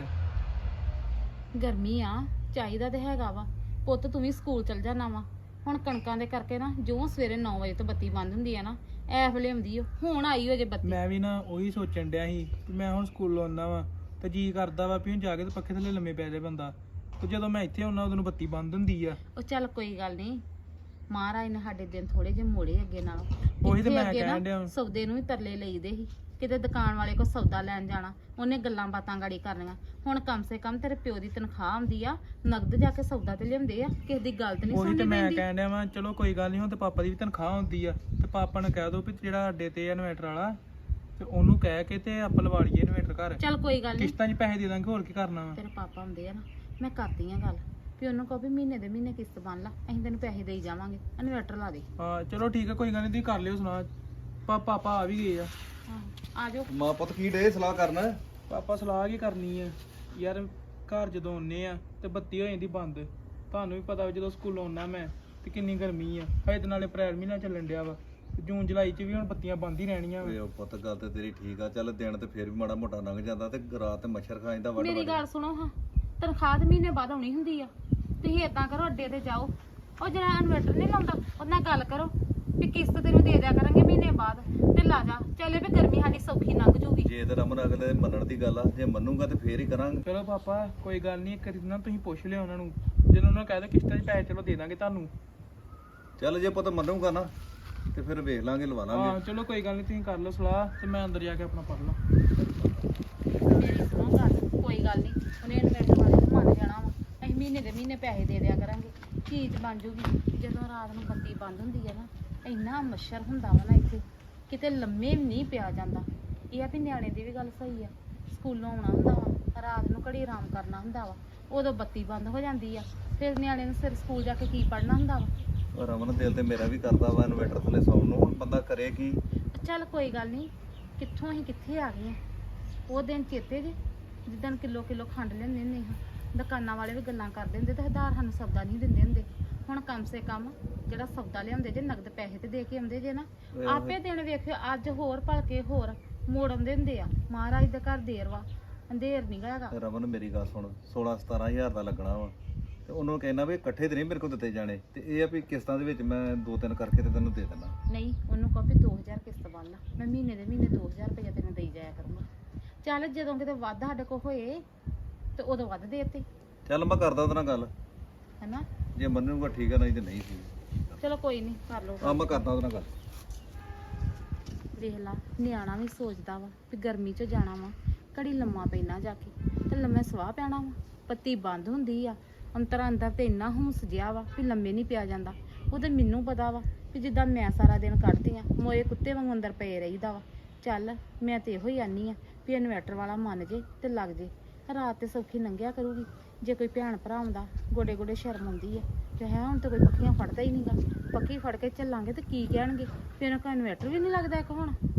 D: ਗਰਮੀ ਆ, ਚਾਹੀਦਾ ਤੇ ਹੈਗਾ ਵਾ। ਪੁੱਤ ਤੂੰ ਵੀ ਸਕੂਲ ਚਲ ਜਾਣਾ ਵਾ। ਹੁਣ ਕਣਕਾਂ ਦੇ ਕਰਕੇ ਨਾ ਜੋ ਸਵੇਰੇ 9 ਵਜੇ ਤੋਂ ਬੱਤੀ ਬੰਦ ਹੁੰਦੀ ਆ ਨਾ, ਐ ਵੇਲੇ ਆਉਂਦੀ ਓ। ਹੁਣ ਆਈ ਹੋ ਜੇ ਬੱਤੀ।
F: ਮੈਂ ਵੀ ਨਾ ਉਹੀ ਸੋਚਣ ਡਿਆ ਸੀ ਵੀ ਮੈਂ ਹੁਣ ਸਕੂਲੋਂ ਆਉਂਦਾ ਵਾ ਤੇ ਜੀ ਕਰਦਾ ਵਾ ਵੀ ਹੁਣ ਜਾ ਕੇ ਤੇ ਪੱਖੇ ਥੱਲੇ ਲੰਮੇ ਪੈ ਜਾਏ ਬੰਦਾ, ਤੇ ਜਦੋਂ ਮੈਂ ਇੱਥੇ ਆਉਣਾ ਉਦੋਂ ਨੂੰ ਬੱਤੀ ਬੰਦ ਹੁੰਦੀ ਆ।
D: ਉਹ ਚੱਲ ਕੋਈ ਗੱਲ ਨਹੀਂ, ਮਹਾਰਾਜ ਨੇ ਸਾਡੇ ਦਿਨ ਥੋੜੇ ਜਿਹੇ ਮੋੜੇ ਅੱਗੇ ਨਾਲੋਂ।
F: ਉਹੀ ਤੇ
D: ਇੱਥੇ
F: ਮੈਂ
D: ਅੱਗੇ ਨਾ
F: ਕਹਿਣ ਡਿਆ।
D: ਸੌਦੇ ਨੂੰ ਵੀ ਤਰਲੇ ਲਈਦੇ ਸੀ, ਕਿਤੇ ਦੁਕਾਨ ਵਾਲੇ ਕੋ ਸੌਦਾ ਲੈਣ ਜਾਣਾ, ਉਹਨੇ ਗੱਲਾਂ ਬਾਤਾਂ ਗਾੜੀ ਕਰਨੀਆਂ। ਹੁਣ ਕਮ ਸੇ ਕਮ ਤੇਰੇ ਪਿਓ ਦੀ ਤਨਖਾਹ ਆਉਂਦੀ ਆ, ਨਗਦ ਜਾ ਕੇ ਸੌਦਾ ਤੇ ਲਿਆਉਂਦੇ ਆ, ਕਿਸੇ ਦੀ ਗੱਲ ਤੇ ਨਹੀਂ
F: ਉਹੀ ਤੇ
D: ਸੁਣਨੀ
F: ਮੈਂ
D: ਪੈਂਦੀ।
F: ਕਹਿਣ ਡਿਆ ਵਾਂ, ਚਲੋ ਕੋਈ ਗੱਲ ਨਹੀਂ, ਹੁਣ ਤੇ ਪਾਪਾ ਦੀ ਵੀ ਤਨਖਾਹ ਹੁੰਦੀ ਆ, ਤੇ ਪਾਪਾ ਨੂੰ ਕਹਿ ਦੋ ਵੀ ਜਿਹੜਾ ਅੱਡੇ ਤੇ ਆ ਇਨਵੇਟਰ ਵਾਲਾ, ਤੇ ਉਹਨੂੰ ਕਹਿ ਕੇ ਤੇ ਆਪਾਂ ਲਵਾ ਲਈਏ ਇਨਵੇਟਰ ਘਰ।
D: ਚੱਲ ਕੋਈ ਗੱਲ ਨਹੀਂ,
F: ਕਿਸ਼ਤਾਂ 'ਚ ਪੈਸੇ ਦੇ ਦਾਂਗੇ, ਹੋਰ ਕੀ ਕਰਨਾ ਵਾ।
D: ਤੇਰੇ ਪਾਪਾ ਹੁੰਦੇ ਆ ਨਾ, ਮੈਂ ਕਰਦੀ ਆ ਗੱਲ ਵੀ ਉਹਨੂੰ ਕਹੋ ਵੀ ਮਹੀਨੇ ਦੇ ਮਹੀਨੇ ਕਿਸ਼ਤ ਬਣ ਲਾ, ਅਸੀਂ ਤੈਨੂੰ ਪੈਸੇ ਦੇਈ ਜਾਵਾਂਗੇ, ਇਨਵੇਟਰ ਲਾ ਦੇ।
F: ਹਾਂ ਚਲੋ ਠੀਕ ਆ, ਕੋਈ ਗੱਲ ਨਹੀਂ, ਤੁਸੀਂ ਕਰ ਲਿਓ ਸੁਣਾ। ਪਾਪਾ ਆ ਵੀ ਗਏ ਆ।
D: ਆ ਜਾਓ।
G: ਮਾਂ ਪੁੱਤ ਕੀ ਡੇ ਸਲਾਹ ਕਰਨਾ?
F: ਪਾਪਾ ਸਲਾਹ ਕੀ ਕਰਨੀ ਆ ਯਾਰ, ਘਰ ਜਦੋਂ ਆਉਂਦੇ ਆ ਤੇ ਬੱਤੀ ਹੋ ਜਾਂਦੀ ਬੰਦ। ਤੁਹਾਨੂੰ ਵੀ ਪਤਾ ਵਾ ਜਦੋਂ ਸਕੂਲੋਂ ਆਉਣਾ ਮੈਂ ਤੇ ਕਿੰਨੀ ਗਰਮੀ ਆ, ਹਜੇ ਤੇ ਨਾਲੇ ਅਪ੍ਰੈਲ ਮਹੀਨਾ ਚੱਲਣ ਡਿਆ ਵਾ, ਜੂਨ ਜੁਲਾਈ 'ਚ ਵੀ ਹੁਣ ਬੱਤੀਆਂ ਬੰਦ ਹੀ ਰਹਿਣੀਆਂ
G: ਓਏ
F: ਵਾ।
G: ਉਹ ਪੁੱਤ ਗੱਲ ਤੇ ਤੇਰੀ ਠੀਕ ਆ, ਚੱਲ ਦਿਨ ਤੇ ਫੇਰ ਵੀ ਮਾੜਾ ਮੋਟਾ ਲੰਘ ਜਾਂਦਾ, ਤੇ ਰਾਤ ਤੇ ਮੱਛਰ ਖਾ ਜਾਂਦਾ ਵੱਡ
D: ਮੇਰੀ
G: ਵੱਡ।
D: ਗੱਲ ਸੁਣੋ ਹਾਂ, ਤਨਖਾਹ ਤੇ ਮਹੀਨੇ ਬਾਅਦ ਆਉਣੀ ਹੁੰਦੀ ਆ। ਤੁਸੀਂ ਏਦਾਂ ਕਰੋ, ਅੱਡੇ ਤੇ ਜਾਓ, ਉਹ ਜਿਹੜਾ ਇਨਵੇਟਰ ਨਹੀਂ ਲਾਉਂਦਾ ਉਹਦੇ ਨਾਲ ਗੱਲ ਕਰੋ ਵੀ ਕਿਸ਼ਤ ਤੈਨੂੰ ਦੇ ਦਿਆ ਕਰਾਂਗੇ ਮਹੀਨੇ ਬਾਅਦ, ਤੇ ਲਾ ਜਾ, ਚੱਲੇ ਵੀ ਗਰਮੀ ਸਾਡੀ ਸੌਖੀ ਲੰਘ ਜੂਗੀ।
G: ਜੇ ਤੇ ਰਮਨ ਅਗਲੇ ਦੇ ਮੰਨਣ ਦੀ ਗੱਲ ਆ, ਜੇ ਮੰਨੂਗਾ ਤੇ ਫੇਰ ਹੀ ਕਰਾਂਗੇ।
F: ਚਲੋ ਪਾਪਾ ਕੋਈ ਗੱਲ ਨਹੀਂ, ਇੱਕ ਵਾਰੀ ਨਾ ਤੁਸੀਂ ਪੁੱਛ ਲਿਓ ਉਹਨਾਂ ਨੂੰ, ਜਦੋਂ ਉਹਨਾਂ ਕਹਿ ਦੋ ਕਿਸ਼ਤਾਂ 'ਚ ਪੈਸੇ ਚਲੋ ਦੇ ਦਾਂਗੇ ਤੁਹਾਨੂੰ।
G: ਚੱਲ ਜੇ ਪੁੱਤ ਮੰਨੂਗਾ ਨਾ ਤੇ ਫਿਰ ਵੇਖ ਲਾਂਗੇ, ਲਵਾ
F: ਹਾਂ
G: ਲਾਂਗੇ।
F: ਚਲੋ ਕੋਈ ਗੱਲ ਨਹੀਂ, ਤੁਸੀਂ ਕਰ ਲਓ ਸਲਾਹ ਤੇ ਮੈਂ ਅੰਦਰ ਜਾ ਕੇ ਆਪਣਾ ਪੜ ਲਾਂ।
D: ਮੇਰੀ ਸੁਣੋ ਗੱਲ, ਕੋਈ ਗੱਲ ਨਹੀਂ, ਉਹਨੇ ਇਨਵੇਟਰ ਵਾਲੇ ਨੂੰ ਮੰਨ ਜਾਣਾ ਵਾ, ਅਸੀਂ ਮਹੀਨੇ ਦੇ ਮਹੀਨੇ ਪੈਸੇ ਦੇ ਦਿਆ ਕਰਾਂਗੇ, ਚੀਜ਼ ਬਣ ਜੂਗੀ। ਜਦੋਂ ਰਾਤ ਨੂੰ ਬੱਤੀ ਬੰਦ ਹੁੰਦੀ ਆ ਨਾ, ਇੰਨਾ ਮੱਛਰ ਹੁੰਦਾ ਵਾ ਨਾ ਇੱਥੇ, ਕਿਤੇ ਲੰਮੇ ਵੀ ਨਹੀਂ ਪਿਆ ਜਾਂਦਾ। ਇਹ ਆ ਵੀ ਨਿਆਣੇ ਦੀ ਵੀ ਗੱਲ ਸਹੀ ਆ, ਸਕੂਲੋਂ ਆਉਣਾ ਹੁੰਦਾ ਵਾ, ਰਾਤ ਨੂੰ ਘੜੀ ਆਰਾਮ ਕਰਨਾ ਹੁੰਦਾ ਵਾ, ਉਦੋਂ ਬੱਤੀ ਬੰਦ ਹੋ ਜਾਂਦੀ ਆ, ਫਿਰ ਨਿਆਣੇ ਨੂੰ ਸਿਰ ਸਕੂਲ ਜਾ ਕੇ ਕੀ ਪੜ੍ਹਨਾ ਹੁੰਦਾ ਵਾ।
G: ਰਮਨ ਦਿਲ ਤੇ ਮੇਰਾ ਵੀ ਕਰਦਾ ਵਾ ਇਨਵੇਟਰ ਥੱਲੇ ਸੌਣ ਨੂੰ, ਹੁਣ ਬੰਦਾ ਕਰੇ ਕੀ।
D: ਚੱਲ ਕੋਈ ਗੱਲ ਨਹੀਂ, ਕਿੱਥੋਂ ਅਸੀਂ ਕਿੱਥੇ ਆ ਗਏ ਆ। ਉਹ ਦਿਨ ਚੇਤੇ ਜੇ ਜਿੱਦਣ ਕਿਲੋ ਕਿਲੋ ਖੰਡ ਲੈਂਦੇ ਹੁੰਦੇ ਹਾਂ, ਦੁਕਾਨਾਂ ਵਾਲੇ ਵੀ ਗੱਲਾਂ ਕਰਦੇ ਹੁੰਦੇ ਤੇ ਹਜ਼ਾਰ ਸਾਨੂੰ ਸੌਦਾ ਨਹੀਂ ਦਿੰਦੇ ਹੁੰਦੇ। ਹੁਣ ਕਮ ਸੇ ਕਮ ਜਿਹੜਾ ਸੌਦਾ ਲਿਆਉਂਦੇ ਜੇ ਨਗਦ ਪੈਸੇ ਤੇ ਦੇ ਕੇ ਆਉਂਦੇ ਜੇ ਨਾ, ਆਪੇ ਦਿਨ ਵੇਖਿਓ ਅੱਜ ਹੋਰ ਭਲਕੇ ਹੋਰ ਮੋੜ ਆਉਂਦੇ ਹੁੰਦੇ ਆ। ਮਹਾਰਾਜ ਦੇ ਘਰ ਦੇਰ ਵਾ, ਅੰਧੇਰ ਨਹੀਂ ਹੈਗਾ।
G: ਰਮਨ ਮੇਰੀ ਗੱਲ ਸੁਣ, 16-17 ਹਜ਼ਾਰ ਦਾ ਲੱਗਣਾ ਵਾ, ਤੇ ਉਹਨੂੰ ਕਹਿਣਾ ਵੀ ਇਕੱਠੇ ਤੇ ਨਹੀਂ ਮੇਰੇ ਕੋਲ ਦਿੱਤੇ ਜਾਣੇ, ਤੇ ਇਹ ਆ ਵੀ ਕਿਸ਼ਤਾਂ ਦੇ ਵਿੱਚ ਮੈਂ 2-3 ਕਰਕੇ ਤੇ ਤੈਨੂੰ ਦੇ ਦੇਣਾ।
D: ਨਹੀਂ, ਉਹਨੂੰ ਕਹੋ ਵੀ 2000 ਕਿਸ਼ਤ ਬਣ ਲਾ, ਮੈਂ ਮਹੀਨੇ ਦੇ ਮਹੀਨੇ 2000 ਰੁਪਏ ਤੈਨੂੰ ਦੇਈ ਜਾਇਆ ਕਰੂੰਗਾ। ਚੱਲ ਜਦੋਂ ਕਿਤੇ ਵੱਧ ਸਾਡੇ ਕੋਲ ਹੋਏ ਤੇ ਉਦੋਂ ਵੱਧ ਦੇਤੇ,
G: ਚੱਲ ਮੈਂ ਕਰਦਾ ਉਹਦੇ ਨਾਲ ਗੱਲ,
D: ਹੈਨਾ।
G: ਜੇ ਮੰਨੂਗਾ ਠੀਕ ਆ, ਨਹੀਂ ਤੇ ਨਹੀਂ ਸੀ।
D: ਚਲੋ ਕੋਈ ਨਹੀਂ, ਕਰ ਲਓ।
G: ਆ ਮੈਂ ਕਰਦਾ ਉਹਦੇ ਨਾਲ ਗੱਲ।
D: ਵੇਖ ਲਾ, ਨਿਆਣਾ ਵੀ ਸੋਚਦਾ ਵਾ ਵੀ ਗਰਮੀ 'ਚ ਜਾਣਾ ਵਾ, ਘੜੀ ਲੰਮਾ ਪੈਣਾ ਜਾ ਕੇ, ਤੇ ਲੰਮੇ ਸਵਾਹ ਪੈਣਾ ਵਾ, ਬੱਤੀ ਬੰਦ ਹੁੰਦੀ ਆ, ਅੰਤਰ ਅੰਦਰ ਤੇ ਇੰਨਾ ਹੁੰਸ ਜਿਆ ਵਾ ਵੀ ਲੰਮੇ ਨਹੀਂ ਪਿਆ ਜਾਂਦਾ। ਉਹ ਤੇ ਮੈਨੂੰ ਪਤਾ ਵਾ ਵੀ ਜਿੱਦਾਂ ਮੈਂ ਸਾਰਾ ਦਿਨ ਕੱਢਦੀ ਆ, ਮੋਏ ਕੁੱਤੇ ਵਾਂਗ ਅੰਦਰ ਪਏ ਰਹੀਦਾ ਵਾ। ਚੱਲ ਮੈਂ ਤੇ ਇਹੋ ਹੀ ਆਨੀ ਆ ਵੀ ਇਨਵਰਟਰ ਵਾਲਾ ਮੰਨ ਜੇ ਤੇ ਲੱਗ ਜੇ, ਰਾਤ ਤੇ ਸੌਖੀ ਲੰਘਿਆ ਕਰੂਗੀ। ਜੇ ਕੋਈ ਭੈਣ ਭਰਾ ਆਉਂਦਾ, ਗੋਡੇ ਗੋਡੇ ਸ਼ਰਮ ਆਉਂਦੀ ਆ ਤੇ ਹੈ, ਹੁਣ ਤੇ ਕੋਈ ਪੱਖੀਆਂ ਫੜਦਾ ਹੀ ਨਹੀਂਗਾ। ਪੱਖੀ ਫੜ ਕੇ ਚੱਲਾਂਗੇ ਤੇ ਕੀ ਕਹਿਣਗੇ, ਫਿਰ ਉਹਨਾਂ ਕੋਲ ਇਨਵਰਟਰ ਵੀ ਨਹੀਂ ਲੱਗਦਾ ਇੱਕ ਹੁਣ।